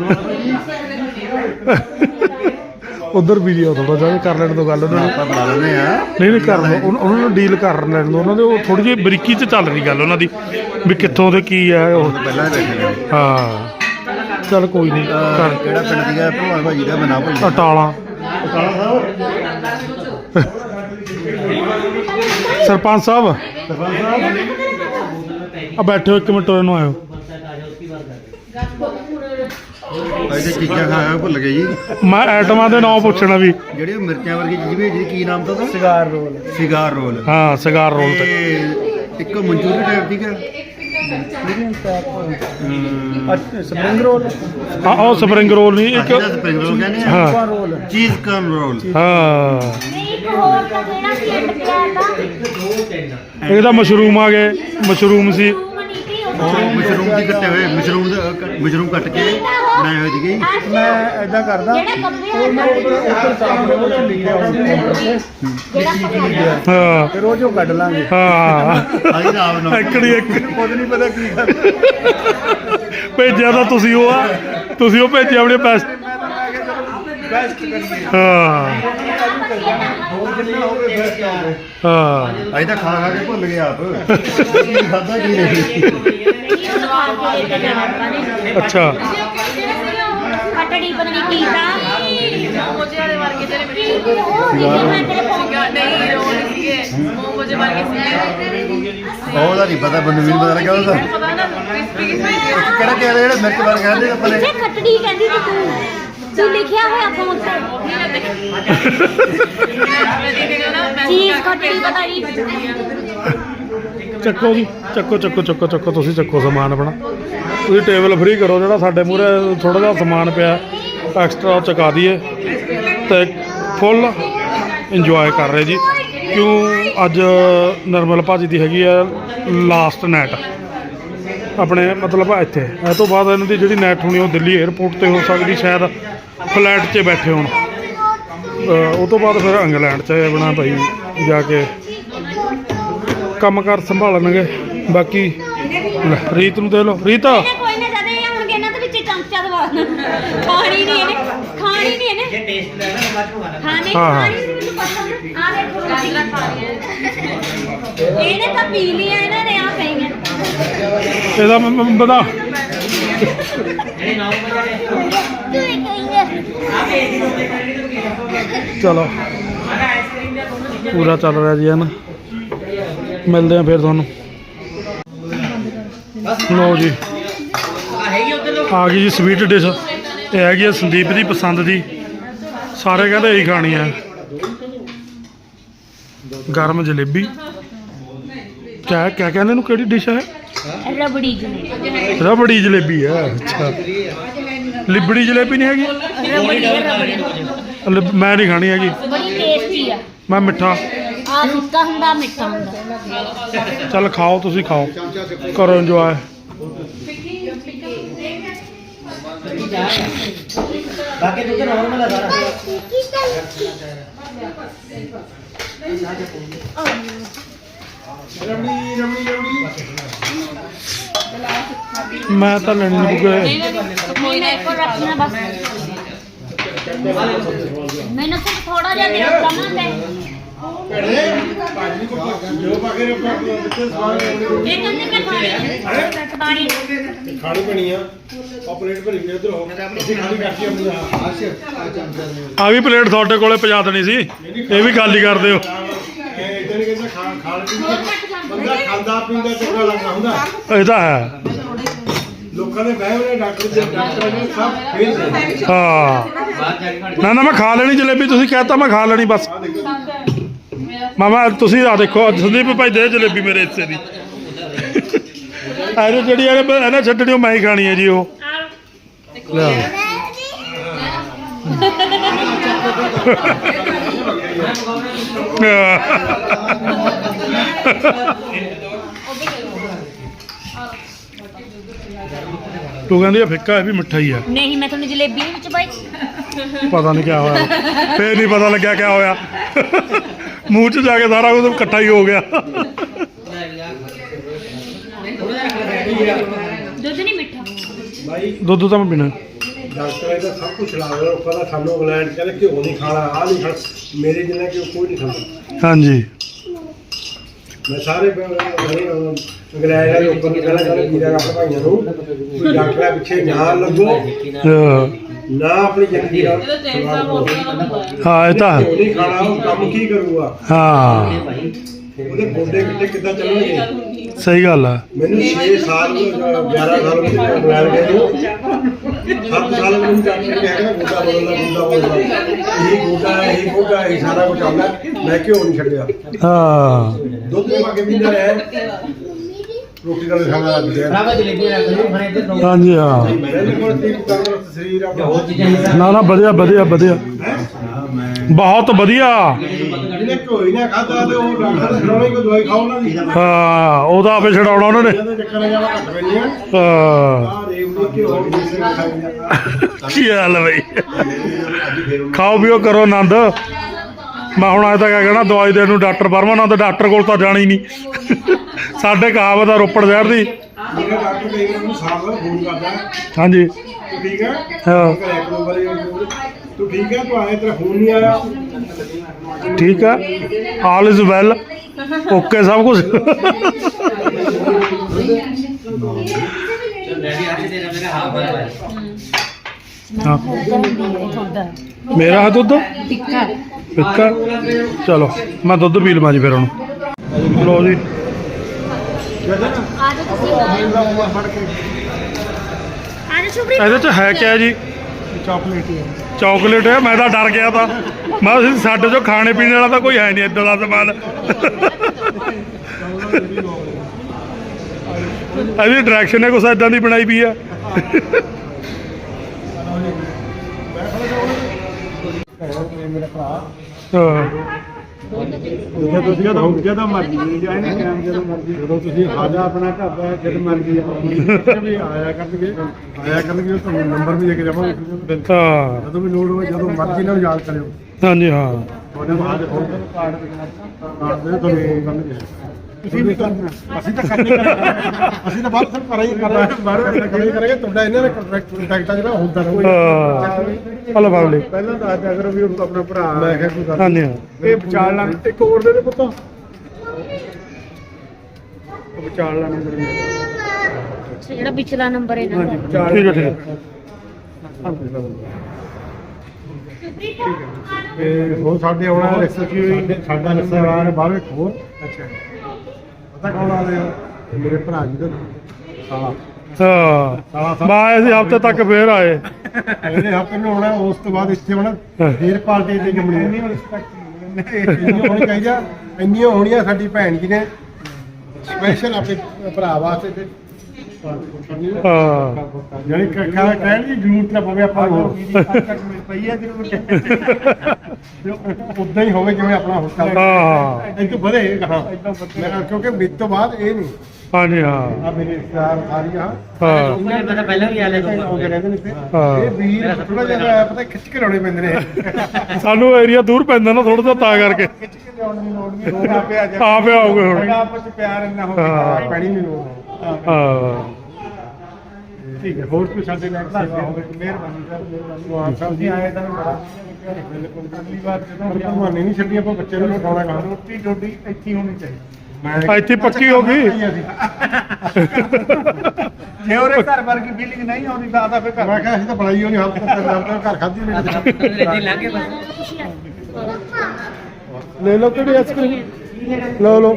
ਉਧਰ ਵੀਡੀਓ ਥੋੜਾ ਜਿਹਾ ਕਰ ਲੈਣ ਤੋਂ ਗੱਲ ਉਹਨਾਂ ਨੂੰ ਆਪਾਂ ਬਣਾ ਲੈਂਦੇ ਆ ਨਹੀਂ ਨਹੀਂ ਕਰ ਲਓ ਉਹਨਾਂ ਉਹਨਾਂ ਨੂੰ ਡੀਲ ਕਰ ਲੈਣ ਦੋ ਉਹਨਾਂ ਦੇ ਉਹ ਥੋੜੀ ਜਿਹੀ ਬਰੀਕੀ 'ਚ ਚੱਲ ਰਹੀ ਗੱਲ ਉਹਨਾਂ ਦੀ ਵੀ ਕਿੱਥੋਂ ਤੇ ਕੀ ਹੈ ਉਹ ਪਹਿਲਾਂ ਹੀ ਬੈਠੇ ਨੇ ਹਾਂ ਚੱਲ ਕੋਈ ਨਹੀਂ ਕਰ ਕਿਹੜਾ ਪਿੰਡ ਸੀਗਾ ਭਲਵਾਨ ਭਾਜੀ ਦਾ ਬਣਾ ਭਾਜੀ ਅਟਾਲਾ ਕਾਲਾ ਸਾਹਿਬ ਸਰਪੰਚ ਸਾਹਿਬ ਸਰਪੰਚ ਸਾਹਿਬ ਆ ਬੈਠੋ ਇੱਕ ਮਿੰਟ ਉਹਨੂੰ ਆਇਓ ਭਾਈ ਤੇ ਚੀਜ਼ਾਂ ਖਾ ਖਾ ਭੁੱਲ ਗਏ ਜੀ ਮੈਂ ਆਈਟਮਾਂ ਦੇ ਨਾਂ ਪੁੱਛਣਾ ਵੀ ਜਿਹੜੀ ਉਹ ਮਿਰਚਾਂ ਵਰਗੀ ਚੀਜ਼ ਵੀ ਜਿਹੜੀ ਕੀ ਨਾਮ ਤਾਂ ਉਹਦਾ ਸਿਗਾਰ ਰੋਲ ਸਿਗਾਰ ਰੋਲ ਹਾਂ ਸਿਗਾਰ ਰੋਲ ਤੇ ਤੇ ਇੱਕ ਮਨਚੂਰੀ ਟਾਈਪ ਠੀਕ ਹੈ ਸਪਰਿੰਗ ਰੋਲ ਹਾਂ ਉਹ ਸਪਰਿੰਗ ਰੋਲ ਨਹੀਂ ਇੱਕ ਸਪਰਿੰਗ ਰੋਲ ਕਹਿੰਦੇ ਆ ਹਾਂ ਰੋਲ ਚੀਜ਼ ਕਨ ਰੋਲ ਹਾਂ ਨਹੀਂ ਇੱਕ ਹੋਰ ਤਾਂ ਕਿਹੜਾ ਸੀ ਐਂਡ ਪਿਆ ਤਾਂ ਇਹਦਾ ਮਸ਼ਰੂਮ ਆ ਗਏ ਮਸ਼ਰੂਮ ਸੀ ਮਨੀ ਤੀ ਉਹ ਉਹ ਮਸ਼ਰੂਮ ਦੀ ਕੱਟੇ ਹੋਏ ਮਸ਼ਰੂਮ ਦਾ ਮਸ਼ਰੂਮ ਕੱਟ ਕੇ ਬਣਾਏ ਹੋਏ ਸੀਗੇ ਮੈਂ ਐਦਾਂ ਕਰਦਾ ਜਿਹੜਾ ਕੱਪੜੇ ਉਹ ਮੈਂ ਉੱਧਰ ਉੱਧਰ ਸਾਹਮਣੇ ਉਹ 'ਚ ਲਿਖਿਆ ਹੁੰਦਾ ਜਿਹੜਾ ਕੱਪੜਾ ਹਾਂ ਫਿਰ ਉਹ 'ਚੋਂ ਕੱਢ ਲਾਂਗੇ ਹਾਂ ਅਸੀਂ ਤਾਂ ਆਪ ਨਾ ਇੱਕੜੀ ਇੱਕ ਖੁਦ ਨਹੀਂ ਪਤਾ ਕੀ ਕਰ ਭੇਜਿਆ ਤਾਂ ਤੁਸੀਂ ਉਹ ਆ ਤੁਸੀਂ ਉਹ ਭੇਜਿਆ ਆਪਣੇ ਪੈਸੇ ਬੈਸਟ ਕਰੀਏ ਹਾਂ ਹੋਰ ਜਿੰਨਾ ਹੋਵੇ ਬੈਸਟ ਹੋਵੇ ਹਾਂ ਅਸੀਂ ਤਾਂ ਖਾ ਖਾ ਕੇ ਭੁੱਲ ਗਏ ਆਪ ਕੀ ਖਾਦਾ ਕੀ ਨਹੀਂ ਅੱਛਾ ਕਟੜੀ ਪਤਾ ਨਹੀਂ ਕੀ ਤਾਂ ਮੋਮੋਜੇ ਵਾਲੇ ਵਰਗੇ ਜਿਹੜੇ ਮਿੱਠੇ ਉਹ ਵੀਡੀਓ ਮੈਂ ਤੇਰੇ ਫੋਨ ਸੀਗਾ ਨਹੀਂ ਰੋਲ ਸੀਗੇ ਮੋਮੋਜੇ ਵਰਗੇ ਸੀਗੇ ਉਹਦਾ ਨਹੀਂ ਪਤਾ ਬੰਦੇ ਮੈਨੂੰ ਪਤਾ ਲੱਗਿਆ ਉਹਦਾ ਪਤਾ ਨਾ ਕ੍ਰਿਸਪੀ ਕ੍ਰਿਸਪੀ ਕਿਹੜਾ ਕਿਹੜਾ ਜਿਹੜੇ ਮਿਰਚ ਵਾਲੇ ਕਹਿੰਦੇ ਆਪਾਂ ਨੇ ਕਿੱਥੇ ਖੱਟੜੀ ਕਹਿੰਦੀ ਸੀ ਤੂੰ ਤੂੰ ਲਿਖਿਆ ਹੋਇਆ ਫੋਨ ਤੇ ਚੀਜ਼ ਖੱਟੜੀ ਪਤਾ ਨਹੀਂ ਚੱਕੋ ਜੀ ਚੱਕੋ ਚੱਕੋ ਚੱਕੋ ਚੱਕੋ ਤੁਸੀਂ ਚੱਕੋ ਸਮਾਨ ਆਪਣਾ ਤੁਸੀਂ ਟੇਬਲ ਫ੍ਰੀ ਕਰੋ ਜਿਹੜਾ ਸਾਡੇ ਮੂਹਰੇ ਥੋੜਾ ਜਿਹਾ ਸਮਾਨ ਪਿਆ ਐਕਸਟਰਾ ਉਹ ਚੁਕਾ ਦਈਏ ਤੇ ਫੁੱਲ ਇੰਜੋਏ ਕਰ ਰਹੇ ਜੀ ਕਿਉਂ ਅੱਜ ਨਰਮਲ ਭਾਜੀ ਦੀ ਹੈਗੀ ਆ ਲਾਸਟ ਨਾਈਟ ਆਪਣੇ ਮਤਲਬ ਇੱਥੇ ਇਹ ਤੋਂ ਬਾਅਦ ਇਹਨਾਂ ਦੀ ਜਿਹੜੀ ਨਾਈਟ ਹੋਣੀ ਉਹ ਦਿੱਲੀ 에ਅਰਪੋਰਟ ਤੇ ਹੋ ਸਕਦੀ ਸ਼ਾਇਦ ਫਲਾਈਟ 'ਚ ਬੈਠੇ ਹੋਣ ਉਹ ਤੋਂ ਬਾਅਦ ਫਿਰ ਇੰਗਲੈਂਡ 'ਚ ਆਪਣਾ ਭਾਈ ਜਾ ਕੇ ਕੰਮ ਕਾਰ ਸੰਭਾਲਣਗੇ ਬਾਕੀ ਲੈ, ਰੀਤ ਨੂੰ ਦੇ ਲਓ ਰੀਤ ਇਹਨੇ ਕੋਈ ਨਾ ਜਦੇ ਆਉਣਗੇ ਇਹਨਾਂ ਦੇ ਵਿੱਚ ਚਮਚਾ ਦਵਾ ਖਾਣੀ ਨਹੀਂ ਇਹਨੇ ਖਾਣੀ ਨਹੀਂ ਇਹਨੇ ਜੇ ਟੇਸਟ ਲੈਣਾ ਤਾਂ ਬਾਅਦ ਚ ਹਾਂ ਨਹੀਂ ਹਾਂ, ਹਾਂ। ਖਾਣੀ ਨਹੀਂ ਮੈਨੂੰ ਪਸੰਦ ਆ ਦੇਖੋ ਗਾਜਰਾਂ ਖਾ ਰਹੀਆਂ ਇਹਨੇ ਤਾਂ ਪੀ ਲਿਆ ਇਹਨਾਂ ਨੇ ਆ ਪਈਆਂ ਇਹਦਾ ਮ- ਮ- ਬਣਾ ਜਿਹੜੇ ਨੌ ਵਜੇ ਤੂੰ ਹੀ ਕਹੀਂਗੇ ਚਲੋ ਪੂਰਾ ਚੱਲ ਰਿਹਾ ਜੀ ਹਨ ਮਿਲਦੇ ਆ ਫਿਰ ਤੁਹਾਨੂੰ ਲਓ ਜੀ ਆ ਹੈਗੀ ਉੱਧਰ ਲੋ ਆ ਗਈ ਜੀ ਸਵੀਟ ਡਿਸ਼ ਇਹ ਹੈਗੀ ਆ ਸੰਦੀਪ ਦੀ ਪਸੰਦ ਦੀ ਸਾਰੇ ਕਹਿੰਦੇ ਇਹੀ ਖਾਣੀ ਆ ਗਰਮ ਜਲੇਬੀ ਕਿਆ ਕਿਆ ਕਹਿੰਦੇ ਇਹਨੂੰ ਕਿਹੜੀ ਡਿਸ਼ ਹੈ ਰਬੜੀ ਜਲੇਬੀ ਰਬੜੀ ਜਲੇਬੀ ਹੈ ਅੱਛਾ ਲਿਬੜੀ ਜਲੇਬੀ ਨਹੀਂ ਹੈਗੀ ਰਬੜੀ ਰਬੜੀ ਲਿਬ- ਮੈਂ ਨਹੀਂ ਖਾਣੀ ਹੈਗੀ ਬੜੀ ਟੇਸਟੀ ਆ ਮੈਂ ਮਿੱਠਾ ਆ ਫਿੱਕਾ ਹੁੰਦਾ ਮਿੱਠਾ ਹੁੰਦਾ ਚੱਲ ਖਾਓ ਤੁਸੀਂ ਖਾਓ ਕਰੋ ਇੰਜੋਏ ਬਾਕੀ ਦੁੱਧ ਨਾਰਮਲ ਆ ਸਾਰਾ ਮੈਂ ਤਾਂ ਲੈਣੀ ਨਹੀਂ ਕਿਉਂਕਿ ਨਹੀਂ ਮੇਰੇ ਕੋਲ ਰੱਖਣਾ ਬਸ ਮੈਨੂੰ ਸਿਰਫ ਥੋੜਾ ਜਿਹਾ ਦੇ ਕਮਾਂ ਤੇ ਇਹ ਕੰਨੇ ਕੇ ਖਾਣੀ ਪਾਣੀ ਖਾਣੀ ਪਣੀ ਆ ਆ ਪਲੇਟ ਭਰੀ ਵੀ ਉਧਰ ਹੋ ਅਸੀਂ ਖਾਲੀ ਕਰਤੀ ਆਪਣੀ ਆ ਆ ਵੀ ਪਲੇਟ ਤੁਹਾਡੇ ਕੋਲੇ ਪਜਾ ਦੇਣੀ ਸੀ ਇਹ ਵੀ ਖਾਲੀ ਕਰ ਦਿਓ ਇਦਾਂ ਨਹੀਂ ਕਹਿੰਦਾ ਖਾ ਖਾਣ ਪੀਣ ਦਾ ਬੰਦਾ ਖਾਂਦਾ ਪੀਂਦਾ ਚੰਗਾ ਲੱਗਦਾ ਹੁੰਦਾ ਇਹ ਤਾਂ ਹੈ ਲੋਕਾਂ ਦੇ ਬਹਿ ਹੋਏ ਡਾਕਟਰ ਦੇ ਡਾਕਟਰ ਨੇ ਸਭ ਫੇਲ ਨੇ ਹਾਂ ਨਾ ਨਾ ਮੈਂ ਖਾ ਲੈਣੀ ਜਲੇਬੀ ਤੁਸੀਂ ਕਹਿਤਾ ਮੈਂ ਖਾ ਲੈਣੀ ਬਸ ਮਾਮਾ ਤੁਸੀਂ ਆ ਦੇਖੋ ਸੰਦੀਪ ਭਾਈ ਦੇ ਜਲੇਬੀ ਮੇਰੇ ਹਿੱਸੇ ਦੀ ਇਹਨੇ ਜਿਹੜੀ ਇਹਨੇ ਇਹਨੇ ਛੱਡਣੀ ਉਹ ਮੈਂ ਹੀ ਖਾਣੀ ਹੈ ਜੀ ਉਹ ਲਿਆ ਤੂੰ ਕਹਿੰਦੀ ਆ ਫਿੱਕਾ ਇਹ ਵੀ ਮਿੱਠਾ ਹੀ ਆ ਨਹੀਂ ਮੈਂ ਤੁਹਾਨੂੰ ਜਲੇਬੀ ਵਿੱਚ ਪਾਈ ਪਤਾ ਨਹੀਂ ਕਿਆ ਹੋਇਆ ਫੇਰ ਨਹੀਂ ਪਤਾ ਲੱਗਿਆ ਕਿਆ ਹੋਇਆ ਮੂੰਹ 'ਚ ਜਾ ਕੇ ਸਾਰਾ ਕੁਝ ਇਕੱਠਾ ਹੀ ਹੋ ਗਿਆ ਦੁੱਧ ਨਹੀਂ ਮਿੱਠਾ ਦੁੱਧ ਤਾਂ ਮੈਂ ਪੀਣਾ ਡਾਕਟਰ ਇਹਦਾ ਸਭ ਕੁਝ ਲਾ ਰਿਹਾ ਉਹ ਕਹਿੰਦਾ ਸਾਨੂੰ ਇੰਗਲੈਂਡ ਕਹਿੰਦੇ ਘਿਓ ਨਹੀਂ ਖਾਣਾ ਆਹ ਨਹੀਂ ਖਾਣਾ ਮੇਰੇ ਜਿੰਨਾ ਕਿ ਕੋਈ ਨਹੀਂ ਖਾਂਦਾ ਹਾਂਜੀ ਮੈਂ ਸਾਰੇ ਇੰਗਲੈਂਡ ਵਾਲੇ ਉੱਪਰ ਨੂੰ ਕਹਿਣਾ ਚਾਹੁੰਦਾ ਵੀਰਾ ਰੱਖ ਭਾਈਆਂ ਨੂੰ ਕੋਈ ਡਾਕਟਰਾਂ ਪਿੱਛੇ ਨਾ ਲੱਗੋ ਨਾ ਆਪਣੀ ਜ਼ਿੰਦਗੀ ਨਾਲ ਹਾਂ ਇਹ ਤਾਂ ਘਿਓ ਨਹੀਂ ਖਾਣਾ ਉਹ ਕੰਮ ਕੀ ਕਰੂਗਾ ਹਾਂ ਉਹਦੇ ਗੋਡੇ ਗਿੱਟੇ ਕਿੱਦਾਂ ਚੱਲਣਗੇ ਸਹੀ ਗੱਲ ਆ ਮੈਨੂੰ ਛੇ ਸਾਲ ਗਿਆਰਾਂ ਸਾਲ ਮੇਰੇ ਇੰਗਲੈਂਡ ਗਏ ਨੂੰ ਸੱਤ ਸਾਲ ਮੈਨੂੰ ਡਾਕਟਰ ਨੇ ਕਿਹਾ ਗੋਡਾ ਬਦਲਣਾ ਗੋਡਾ ਬਦਲਣਾ ਇਹ ਗੋਡਾ ਇਹ ਗੋਡਾ ਇਹ ਸਾਰਾ ਕੁਝ ਆਉਂਦਾ ਮੈਂ ਕਿਉਂ ਨਹੀਂ ਛੱਡਿਆ ਹਾਂ ਦੁੱਧ ਦੇ ਵਾਗੇ ਪੀਂਦਾ ਰਿਹਾ ਰੋਟੀ ਨਾਲ ਖਾਣਾ ਲੱਗ ਗਿਆ ਰਾਵਾ ਜਲੇਬੀ ਰੱਖ ਲਈ ਫਿਰ ਇੱਧਰ ਦੋ ਹਾਂਜੀ ਹਾਂ ਮੈਨੂੰ ਕੋਲ ਤੀ ਤੰਦਰੁਸਤ ਸਰੀਰ ਆਪਣਾ ਨਾ ਨਾ ਵਧੀਆ ਵਧੀਆ ਵਧੀਆ ਬਹੁਤ ਵਧੀਆ ਜਿਹਨੇ ਕੋਈ ਨਾ ਖਾਦਾ ਤੇ ਉਹ ਡਾਕਟਰ ਦੇ ਖਿਲਾਉਣੇ ਕੋਈ ਦਵਾਈ ਖਾਓ ਨਾ ਦੀ ਹਾਂ ਉਹਦਾ ਆਪੇ ਛਡਾਉਣਾ ਉਹਨਾਂ ਨੇ ਇਹਦੇ ਚੱਕਰ ਜਾਵਾ ਘੱਟ ਪੈਣੀਆਂ ਹਾਂ ਆ ਰੇਵੜੀ ਕਿ ਹੋਰ ਕਿਸੇ ਨੂੰ ਖਾਈਆਂ ਕੀ ਹਾਲ ਹੈ ਬਈ ਖਾਓ ਪੀਓ ਕਰੋ ਆਨੰਦ ਮੈਂ ਹੁਣ ਅੱਜ ਤੱਕ ਕਹਿਣਾ ਦਵਾਈ ਦੇਣ ਨੂੰ ਡਾਕਟਰ ਪਰਮਾਨੰਦ ਡਾਕਟਰ ਕੋਲ ਤਾਂ ਜਾਣਾ ਹੀ ਨਹੀਂ ਸਾਡੇ ਕਹਾਵਤ ਆ ਰੋਪੜ ਸ਼ਹਿਰ ਦੀ ਮੇਰਾ ਡਾਕਟਰ ਕਈ ਵਾਰ ਮੈਨੂੰ ਸਾਫ ਫੋਨ ਕਰਦਾ ਹਾਂਜੀ ਤੂੰ ਠੀਕ ਹੈ ਹਾਂ ਘਰੇ ਇੱਕ ਦੋ ਵਾਰੀ ਤੂੰ ਠੀਕ ਹੈ ਤੂੰ ਆਇਆ ਤੇਰਾ ਫੋਨ ਨਹੀਂ ਆਇਆ ਠੀਕ ਆ ਆਲ ਇਜ਼ ਵੈਲ ਓਕੇ ਸਭ ਕੁਝ ਹਾਂ ਮੇਰਾ ਹੈ ਦੁੱਧ ਟਿੱਕਾ ਫਿੱਕਾ ਚਲੋ ਮੈਂ ਦੁੱਧ ਪੀ ਲਵਾਂ ਜੀ ਫਿਰ ਹੁਣ ਲੋ ਜੀ ਆ ਜਾ ਤੁਸੀਂ ਆ ਜਾ ਸ਼ੁਭਰੀ ਇਹਦੇ ਚ ਹੈ ਕਿਆ ਜੀ ਚਾਕਲੇਟ ਹੀ ਹੈ ਚਾਕਲੇਟ ਹੈ ਮੈਂ ਤਾਂ ਡਰ ਗਿਆ ਤਾਂ ਮੈਂ ਕਿਹਾ ਸਾਡੇ ਜੋ ਖਾਣੇ ਪੀਣੇ ਵਾਲਾ ਤਾਂ ਕੋਈ ਹੈ ਨਹੀਂ ਇੱਦਾਂ ਦਾ ਸਮਾਨ ਇਹਦੀ ਡਾਇਰੈਕਸ਼ਨ ਹੈ ਕੁਛ ਇਦਾਂ ਦੀ ਬਣਾਈ ਪਈ ਆ ਮੇਰਾ ਭਰਾ ਹਾਂ ਜਦੋਂ ਤੁਸੀਂ ਜਦੋਂ ਜਦੋਂ ਮਰਜ਼ੀ ਜਾਏ ਨਾ ਟਾਈਮ ਜਦੋਂ ਮਰਜ਼ੀ ਜਦੋਂ ਤੁਸੀਂ ਆਜਾ ਆਪਣਾ ਘਰ ਦਾ ਜਦ ਮਰਜ਼ੀ ਵੀ ਆਇਆ ਕਰਨਗੇ ਆਇਆ ਕਰਨਗੇ ਤੁਹਾਨੂੰ ਨੰਬਰ ਵੀ ਦੇ ਕੇ ਜਾਵਾਂਗੇ ਹਾਂ ਜਦੋਂ ਵੀ ਲੋੜ ਹੋਵੇ ਜਦੋਂ ਮਰਜ਼ੀ ਨਾਲ ਯਾਦ ਕਰਿਓ ਹਾਂਜੀ ਹਾਂ ਤੁਹਾਡੇ ਬਾਅਦ ਫੋਨ ਕਾਰਡ ਕਾਰਡ ਦੇ ਤੁਹਾਨੂੰ ਫੋਨ ਕਰਨਗੇ ਤੁਸੀਂ ਵੀ ਕਰਨਾ ਅਸੀਂ ਤਾਂ ਕਰਨੀ ਕਰਾਂਗੇ ਅਸੀਂ ਤਾਂ ਬਾਅਦ ਸਭ ਕਰਾਂ ਹੀ ਕਰਨਾ ਬਾਹਰੋਂ ਤਾਂ ਕਰੀ ਕਰਾਂਗੇ ਤੁਹਾਡਾ ਇਹਨਾਂ ਦਾ ਕੰਟਰੈਕਟ ਕੰਟੈਕਟ ਜਿਹੜਾ ਹੁੰਦਾ ਰਹੂਗਾ ਹਾਂ ਹਲੋ ਫੈਮਿਲੀ ਪਹਿਲਾਂ ਦੱਸ ਦਿਆ ਕਰੋ ਵੀ ਉਹ ਆਪਣਾ ਭਰਾ ਮੈਂ ਕਿਹਾ ਕੋਈ ਗੱਲ ਹਾਂਜੀ ਹਾਂ ਇਹ ਵਿਚਾਰ ਲਾਂ ਇੱਕ ਹੋਰ ਦੇ ਦੇ ਪੁੱਤ ਉਹ ਵਿਚਾਰ ਲਾਂ ਨੰਬਰ ਜਿਹੜਾ ਪਿਛਲਾ ਨੰਬਰ ਹੈ ਨਾ ਠੀਕ ਹੈ ਠੀਕ ਹੈ ਤੇ ਹੋਰ ਸਾਡੇ ਆਉਣਾ ਰਿਕਸ਼ਾ ਕੀ ਹੋਈ ਸਾਡਾ ਰਿਸ਼ਤੇਦਾਰ ਬਾਹਰੋਂ ਇੱਕ ਹੋਰ ਅੱਛਾ ਪਤਾ ਕੌਣ ਆ ਰਿਹਾ ਮੇਰੇ ਭਰਾ ਜੀ ਦਾ ਸਾਲਾ ਹਾਂ ਮੈਂ ਅਸੀਂ ਹਫ਼ਤੇ ਤੱਕ ਫੇਰ ਆਏ ਅਗਲੇ ਹਫ਼ਤੇ ਨੂੰ ਆਉਣਾ ਉਸ ਤੋਂ ਬਾਅਦ ਇੱਥੇ ਆਉਣਾ ਫੇਰ ਪਾਰਟੀ ਤੇ ਜੰਮਣੀ ਨਹੀਂ ਰਿਸਪੈਕਟ ਇੰਨੀਆਂ ਹੋਣੀ ਚਾਹੀਦਾ ਇੰਨੀਆਂ ਹੋਣੀਆਂ ਸਾਡੀ ਭੈਣ ਜੀ ਨੇ ਸਪੈਸ਼ਲ ਆਪਣੇ ਭਰਾ ਵਾਸਤੇ ਤੇ ਹਾਂ ਜਿਹੜੀ ਕਹਿਣ ਕਹਿਣ ਦੀ ਜ਼ਰੂਰਤ ਨਾ ਪਵੇ ਆਪਾਂ ਨੂੰ ਪਈ ਹੈ ਜਦੋਂ ਉਦਾਂ ਹੀ ਹੋਵੇ ਜਿਵੇਂ ਆਪਣਾ ਹੁਕਮ ਹਾਂ ਇਹ ਤੋਂ ਵਧੇ ਹਾਂ ਕਿਉਂਕਿ ਮੇਰੇ ਤੋਂ ਬਾਅਦ ਇਹ ਨਹੀਂ ਹਾਂਜੀ ਹਾਂ ਆ ਮੇਰੇ ਰਿਸ਼ਤੇਦਾਰ ਸਾਰੀਆਂ ਹਾਂ ਉਹਨਾਂ ਨੇ ਪਤਾ ਪਹਿਲਾਂ ਵੀ ਆ ਲੈ ਆਉਂਦੇ ਰਹਿੰਦੇ ਨੇ ਇੱਥੇ ਹਾਂ। ਇਹ ਵੀਰ ਥੋੜਾ ਜਿਹਾ ਪਤਾ ਖਿੱਚ ਕੇ ਲਾਉਣੇ ਪੈਂਦੇ ਨੇ ਸਾਨੂੰ ਏਰੀਆ ਦੂਰ ਪੈਂਦਾ ਨਾ ਥੋੜਾ ਜਿਹਾ ਤਾਂ ਕਰਕੇ ਖਿੱਚ ਕੇ ਲਿਆਉਣ ਦੀ ਲੋੜ ਨਹੀਂ ਲੋੜ ਆਪੇ ਆ ਜਾ ਆਪੇ ਆਓਗੇ ਹੁਣ ਆਪਸ ਚ ਪਿਆਰ ਇੰਨਾ ਹੋ ਹਾਂ। ਪੈਣੀ ਨਹੀਂ ਲੋੜ ਹਾਂ ਠੀਕ ਹੈ ਹੋਰ ਕੋਈ ਸਾਡੇ ਨਾਲ ਸੇਵਾ ਹੋਵੇ ਮਿਹਰਬਾਨੀ ਸਰ ਮਿਹਰਬਾਨੀ ਵਾਹ ਸਾਹਿਬ ਜੀ ਆਏ ਤਾਂ ਬੜਾ ਬਿਲਕੁਲ ਅਗਲੀ ਵਾਰ ਜਦੋਂ ਭਗਵਾਨੀ ਨਹੀਂ ਛੱਡੀ ਆਪਾਂ ਬੱਚੇ ਨੂੰ ਉਠਾਉਣਾ ਕਹਾਂ ਰੋਟੀ ਡੋਡੀ ਇੱਥੇ ਹੀ ਹੋਣੀ ਚਾਹੀਦੀ ਮੈਂ ਇੱਥੇ ਪੱਕੀ ਹੋ ਗਈ ਜੇ ਉਹਦੇ ਘਰ ਵਰਗੀ ਫੀਲਿੰਗ ਨਹੀਂ ਆਉਂਦੀ ਤਾਂ ਆਦਾ ਫੇ ਮੈਂ ਘਰ ਕਿਹਾ ਅਸੀਂ ਤਾਂ ਬਣਾਈ ਹੋਣੀ ਹਾਲ ਤੱਕ ਘਰ ਖਾਧੀ ਨਹੀਂ ਰੇਡੀ ਲੱਗੇ ਬਸ ਲੈ ਲਓ ਕਿਹੜੀ ਆਈਸਕ੍ਰੀਮ ਲਓ ਲਓ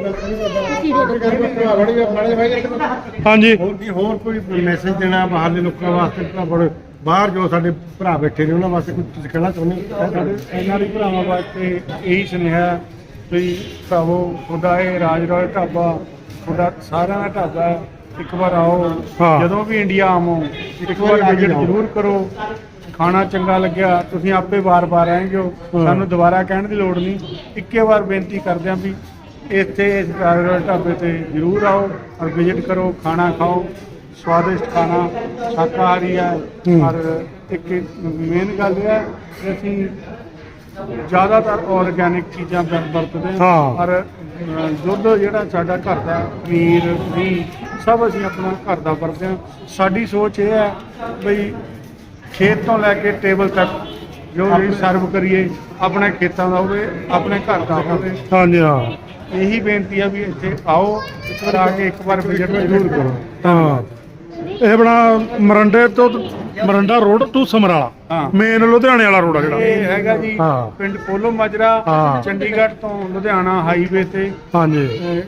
ਹਾਂਜੀ ਹੋਰ ਕੀ ਹੋਰ ਕੋਈ ਮੈਸੇਜ ਦੇਣਾ ਬਾਹਰਲੇ ਲੋਕਾਂ ਵਾਸਤੇ ਭਰਾ ਬਾਹਰ ਜੋ ਸਾਡੇ ਭਰਾ ਬੈਠੇ ਨੇ ਉਹਨਾਂ ਵਾਸਤੇ ਕੁਝ ਤੁਸੀਂ ਕਹਿਣਾ ਚਾਹੁੰਦੇ ਹੋ ਸਾਡੇ ਇਹਨਾਂ ਦੇ ਭਰਾਵਾਂ ਵਾਸਤੇ ਇਹੀ ਸੁਨੇਹਾ ਵੀ ਭਰਾਵੋ ਤੁਹਾਡਾ ਇਹ ਰਾਜ ਰੋਇ ਢਾਬਾ ਤੁਹਾਡਾ ਸਾਰਿਆਂ ਦਾ ਢਾਬਾ ਹੈ ਇੱਕ ਵਾਰ ਆਓ ਹਾਂ। ਜਦੋਂ ਵੀ ਇੰਡੀਆ ਆਵੋ ਇੱਕ ਵਾਰੀ ਵਾਰ ਆ ਕੇ ਵਿਜ਼ਿਟ ਜਾਓ। ਜ਼ਰੂਰ ਕਰੋ। ਖਾਣਾ ਚੰਗਾ ਲੱਗਿਆ ਤੁਸੀਂ ਆਪੇ ਵਾਰ-ਵਾਰ ਆਏਂਗੇ ਹੋ। ਹਾਂ। ਸਾਨੂੰ ਦੁਬਾਰਾ ਕਹਿਣ ਦੀ ਲੋੜ ਨਹੀਂ। ਇੱਕੇ ਵਾਰ ਬੇਨਤੀ ਕਰਦੇ ਹਾਂ ਵੀ ਇੱਥੇ ਇਸ ਕਾਰਗਰ ਢਾਬੇ ਤੇ ਜ਼ਰੂਰ ਆਓ ਔਰ ਵਿਜ਼ਿਟ ਕਰੋ, ਖਾਣਾ ਖਾਓ, ਸਵਾਦਿਸ਼ਟ ਖਾਣਾ ਸ਼ਾਕਾਹਾਰੀ ਹੈ। ਹੂੰ। ਔਰ ਇੱਕ ਮੇਨ ਗੱਲ ਇਹ ਹੈ ਕਿ ਅਸੀਂ ਜ਼ਿਆਦਾਤਰ ਆਰਗੈਨਿਕ ਚੀਜ਼ਾਂ ਵਰ- ਵਰਤਦੇ ਹਾਂ। ਔਰ ਅ, ਦੁੱਧ ਜਿਹੜਾ ਸਾਡਾ ਘਰ ਦਾ ਪਨੀਰ ਵੀ ਸਭ ਅਸੀਂ ਆਪਣਾ ਘਰ ਦਾ ਵਰਤਦੇ ਹਾਂ। ਸਾਡੀ ਸੋਚ ਇਹ ਹੈ ਬਈ ਖੇਤ ਤੋਂ ਲੈ ਕੇ ਟੇਬਲ ਤੱਕ ਜੋ ਵੀ ਸਰਵ ਕਰੀਏ ਆਪਣੇ ਖੇਤਾਂ ਦਾ ਹੋਵੇ, ਆਪਣੇ ਘਰ ਦਾ ਹੋਵੇ। ਹਾਂਜੀ ਹਾਂ ਇਹੀ ਬੇਨਤੀ ਹੈ ਵੀ ਇੱਥੇ ਆਓ, ਇੱਕ ਵਾਰ ਆ ਕੇ ਇੱਕ ਵਾਰ ਵਿਜ਼ਿਟ ਜ਼ਰੂਰ ਕਰੋ। ਹਾਂ ਇਹ ਬਣਾ ਮਰੰਡੇ ਤੋਂ ਮਰੰਡਾ ਰੋਡ ਟੂ ਸਮਰਾਲਾ ਹਾਂ। ਮੇਨ ਲੁਧਿਆਣੇ ਵਾਲਾ ਰੋਡ ਆ ਜਿਹੜਾ ਇਹ ਹੈਗਾ ਜੀ ਹਾਂ। ਪਿੰਡ ਪੋਲੋ ਮਾਜਰਾ, ਹਾਂ। ਚੰਡੀਗੜ੍ਹ ਤੋਂ ਲੁਧਿਆਣਾ ਹਾਈਵੇ ਤੇ ਹਾਂਜੀ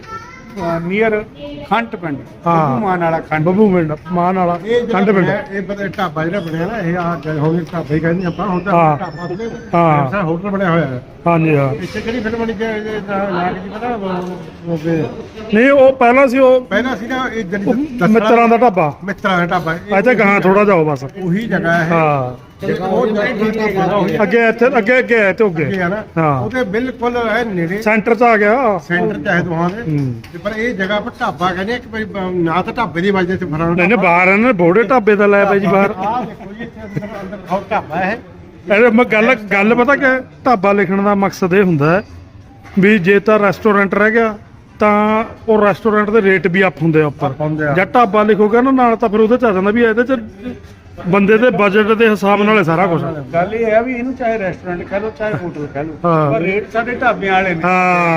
ਨੀਅਰ ਖੰਡ ਪਿੰਡ, ਹਾਂ। ਬੱਬੂ ਮਾਨ ਵਾਲਾ ਖੰਡ। ਬੱਬੂ ਪਿੰਡ ਮਾਨ ਵਾਲਾ ਇਹ ਜਿਹੜਾ ਖੰਡ ਪਿੰਡ ਬਣਿਆ, ਇਹ ਪਤਾ ਢਾਬਾ ਜਿਹੜਾ ਬਣਿਆ ਨਾ ਇਹ ਆ ਹੁਣ ਢਾਬਾ ਹੀ ਕਹਿੰਦੇ ਆਪਾਂ ਹੁਣ ਤਾਂ ਹਾਂ। ਢਾਬਾ ਤੇ ਹਾਂ। ਸਾਰਾ ਹੋਟਲ ਬਣਿਆ ਹੋਇਆ ਹੈ। ਹਾਂਜੀ ਹਾਂ ਇੱਥੇ ਕਿਹੜੀ ਫਿਲਮ ਬਣੀ ਕਿ ਨਾਮ ਕੀ ਪਤਾ ਉਹ- ਉਹ ਵੀ- ਨਹੀਂ ਉਹ ਪਹਿਲਾਂ ਸੀ ਉਹ ਪਹਿਲਾਂ ਸੀ ਨਾ ਇਹ ਉਹ ਜਿਹੜੀ ਦਸਰਾ- ਮਿੱਤਰਾਂ ਦਾ ਢਾਬਾ ਮਿੱਤਰਾਂ ਦਾ ਢਾਬਾ ਇਹ- ਇੱਥੇ ਗਾਂ ਥੋੜਾ ਜਾਓ ਬਸ ਉਹੀ ਜਗ੍ਹਾ ਹੈ ਹਾਂ ਜਿਹੜਾ ਉਹ ਢਾਬਾ ਉਹੀ ਅੱਗੇ ਇੱਥੇ ਅੱਗੇ ਅੱਗੇ ਹੈ ਤੇ ਅੱਗੇ ਅੱਗੇ ਆ ਨਾ ਹਾਂ। ਉਹਦੇ ਬਿਲਕੁਲ ਹੈ ਨੇੜੇ ਸੈਂਟਰ ਚ ਆ ਗਿਆ ਸੈਂਟਰ ਚ ਹੈ ਦੋਹਾਂ ਦੇ ਹੂੰ। ਤੇ ਪਰ ਇਹ ਜਗ੍ਹਾ ਪਰ ਢਾਬਾ ਕਹਿੰਦੇ ਆ ਕਿ ਭਈ ਬ- ਨਾ ਤਾਂ ਢਾਬੇ ਦੀ ਵਜ੍ਹਾ ਤੇ ਫਰਾਣਾ ਨਹੀਂ ਨਹੀਂ ਬਾਹਰ ਇਹਨਾਂ ਨੇ ਬੋੜੇ ਢਾਬੇ ਦਾ ਲਾਇਆ ਪਿਆ ਜੀ ਬਾਹਰ ਆਹ ਦੇਖੋ ਜੀ ਇੱਥੇ ਅੰਦਰ ਅੰਦਰ ਖਾਓ ਢਾਬਾ ਹੈ ਇਹ ਮੈਂ ਗੱਲ ਗੱਲ ਪਤਾ ਕਿ ਢਾਬਾ ਲਿਖਣ ਦਾ ਮਕਸਦ ਇਹ ਹੁੰਦਾ ਹੈ ਵੀ ਜੇ ਤਾਂ ਰੈਸਟੋਰੈਂਟ ਰਹਿ ਗਿਆ ਤਾਂ ਉਹ ਰੈਸਟੋਰੈਂਟ ਦੇ ਰੇਟ ਵੀ ਅਪ ਹੁੰਦੇ ਆ ਉੱਪਰ Up ਹੁੰਦੇ ਆ। ਜਾਂ ਢਾਬਾ ਲਿਖੋਗਾ ਨਾ ਨਾਲ ਤਾਂ ਫਿਰ ਉਹਦੇ ਚ ਆ ਜਾਂਦਾ ਵੀ ਇਹਦੇ ਚ ਬੰਦੇ ਦੇ ਬਜਟ ਦੇ ਹਿਸਾਬ ਨਾਲ ਹੈ ਸਾਰਾ ਕੁਝ ਗੱਲ ਇਹ ਹੈ ਵੀ ਇਹਨੂੰ ਚਾਹੇ ਰੈਸਟੋਰੈਂਟ ਕਹਿ ਲਓ ਚਾਹੇ ਹੋਟਲ ਕਹਿ ਲਓ, ਹਾਂ। ਪਰ ਰੇਟ ਸਾਡੇ ਢਾਬਿਆਂ ਵਾਲੇ ਨੇ।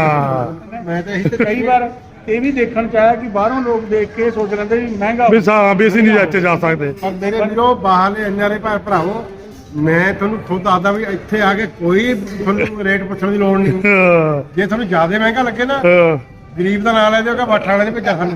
ਹਾਂ ਮੈਂ ਤਾਂ ਇਹੀ ਤੇ ਕਈ ਵਾਰ ਇਹ ਵੀ ਦੇਖਣ ਚ ਆਇਆ ਕਿ ਬਾਹਰੋਂ ਲੋਕ ਦੇਖ ਕੇ ਸੋਚ ਲੈਂਦੇ ਵੀ ਮਹਿੰਗਾ ਵੀ ਸਾ ਵੀ ਅਸੀਂ ਨਹੀਂ ਇੱਥੇ ਜਾ ਸਕਦੇ ਪਰ ਮੇਰੇ ਵੀਰੋ ਬਾਹਰਲੇ ਇੰਨੇ ਭਰਾ ਭਰਾਵੋ ਮੈਂ ਤੁਹਾਨੂੰ ਖੁਦ ਦੱਸਦਾ ਵੀ ਇੱਥੇ ਆ ਕੇ ਕੋਈ ਤੁਹਾਨੂੰ ਰੇਟ ਪੁੱਛਣ ਦੀ ਲੋੜ ਨਹੀਂ ਹਾਂ, ਜੇ ਤੁਹਾਨੂੰ ਜ਼ਿਆਦਾ ਮਹਿੰਗਾ ਲੱਗੇ ਨਾ ਹਾਂ। ਗਰੀਬ ਦਾ ਨਾਂ ਲੈ ਦਿਓਗਾ ਬਾਠਾ ਵਾਲੇ ਨੇ ਭੇਜਿਆ ਸਾਨੂੰ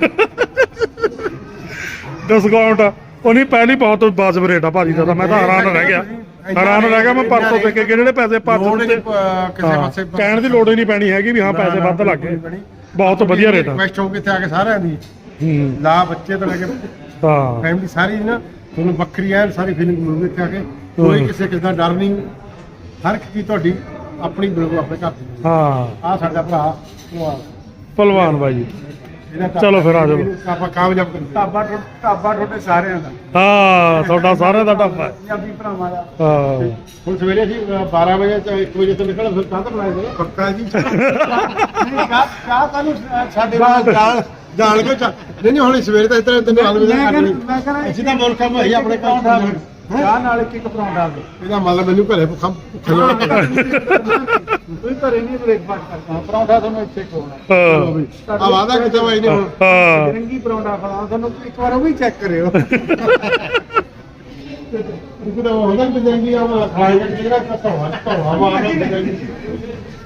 ਡਿਸਕਾਊਂਟ ਉਹ ਨਹੀਂ ਪਹਿਲੀ ਬਹੁਤ ਵਾਜਬ ਰੇਟ ਆ ਭਾਜੀ ਦਾ ਤਾਂ ਮੈਂ ਤਾਂ ਹੈਰਾਨ ਰਹਿ ਗਿਆ ਹੈਰਾਨ ਰਹਿ ਗਿਆ ਮੈਂ ਪਰਸੋਂ ਦੇ ਕੇ ਜਿਹੜੇ ਪੈਸੇ ਪਾ ਲੋੜ ਹੀ ਦਿੱਤੇ ਨਹੀਂ, ਅਹ, ਕਿਸੇ ਹਾਂ, ਪਾਸੇ ਕਹਿਣ ਦੀ ਲੋੜ ਹੀ ਨਹੀਂ ਪੈਣੀ ਹੈਗੀ ਵੀ ਹਾਂ ਪੈਸੇ ਵੱਧ ਲੱਗ ਗਏ ਬਹੁਤ ਵਧੀਆ ਰੇਟ ਆ ਰਿਕਵੈਸਟ ਹੋਊਗੀ ਇੱਥੇ ਆ ਕੇ ਸਾਰਿਆਂ ਦੀ ਹੂੰ ਲਾ ਬੱਚੇ ਤੋਂ ਲੈ ਕੇ ਹਾਂ ਫੈਮਿਲੀ ਸਾਰੀ ਨਾ ਤੁਹਾਨੂੰ ਵੱਖਰੀ ਐਨ ਸਾਰੀ ਫੀਲਿੰਗ ਮਿਲੂਗੀ ਇੱਥੇ ਆ ਕੇ ਕੋਈ ਹਮ। ਕਿਸੇ ਕਿਸੇ ਦਾ ਡਰ ਨਹੀਂ ਹਰ ਇੱਕ ਚੀਜ਼ ਤੁਹਾਡੀ ਆਪਣੀ ਬਿਲਕੁਲ ਆਪਣੇ ਘਰ ਦੀ ਹਾਂ ਆ ਸਾਡਾ ਭਰਾ ਉਹ ਆ। ਪਹਿਲਵਾਨ ਬਾਈ ਇਹਦਾ ਢਾਬਾ- ਚਲੋ ਫਿਰ ਆ ਜਾਓ। ਇਹਨੂੰ ਆਪਾਂ ਕਾਮਯਾਬ ਕਰੀਏ ਢਾਬਾ ਟੁ- ਢਾਬਾ ਤੁਹਾਡੇ ਸਾਰਿਆਂ ਦਾ, ਹਾਂ ਤੁਹਾਡਾ ਸਾਰਿਆਂ ਦਾ ਢਾਬਾ ਹੈ। ਪੰਜਾਬੀ ਭਰਾਵਾਂ ਦਾ। ਹਾਂ ਹੁਣ ਸਵੇਰੇ ਅਸੀਂ ਅ, ਬਾਰਾਂ ਵਜੇ ਤੋਂ ਇੱਕ ਵਜੇ ਤੋਂ ਨਿਕਲ ਫਿਰ ਕਾਹ ਤੋਂ ਬਣਾਏ ਗਏ ਪੱਕਾ ਜੀ ਨਹੀਂ ਚਾਹ ਚਾਹ ਤੁਹਾਨੂੰ ਸਾਡੇ ਨਾਲ ਜਾਲ ਜਾਲ ਕੇ ਚਾਹ ਨਹੀਂ ਨਹੀਂ ਹੁਣ ਸਵੇਰੇ ਤਾਂ ਇਤਨੇ ਤੈਨੂੰ ਹਾਲ ਮੈਂ ਕਹਿੰਦਾ- ਮੈਂ ਕਹਿੰਦਾ ਅਸੀਂ ਤਾਂ ਮੁਲਕ ਕੰਮ ਹੈ ਆਪਣੇ ਕੰਮ ਪਰੌਂਠਾ ਦਾ ਚਾਹ ਨਾਲ ਇੱਕ ਇੱਕ ਪਰੌਂਠਾ ਦੇ। ਇਹਦਾ ਮਤਲਬ ਮੈਨੂੰ ਘਰੇ ਭੁੱਖਾ ਭੁੱਖਾ ਹੀ ਤੁਸੀਂ ਘਰੇ ਨਹੀਂ ਬ੍ਰੇਕਫਾਸਟ ਕਰਦਾ, ਪਰੌਂਠਾ ਤੁਹਾਨੂੰ ਇੱਥੇ ਖਵਾਉਣਾ। ਹਾਂ ਆ ਵਾਦਾ ਕਿਤੇ ਬਾਈ ਨੇ ਹੁਣ ਹਾਂ ਰੰਗੀ ਪਰੌਂਠਾ ਖਵਾਉਣਾ ਤੁਹਾਨੂੰ, ਇੱਕ ਵਾਰ ਉਹ ਵੀ ਚੈੱਕ ਕਰਿਓ। ਇੱਕ ਤਾਂ ਹੁੰਦਾ ਕਿ ਜਾਂਗੀ ਆ ਖਾਏਗਾ ਜਿਹੜਾ ਧੋਵਾ ਧੋਵਾ ਮਾਰਦਾ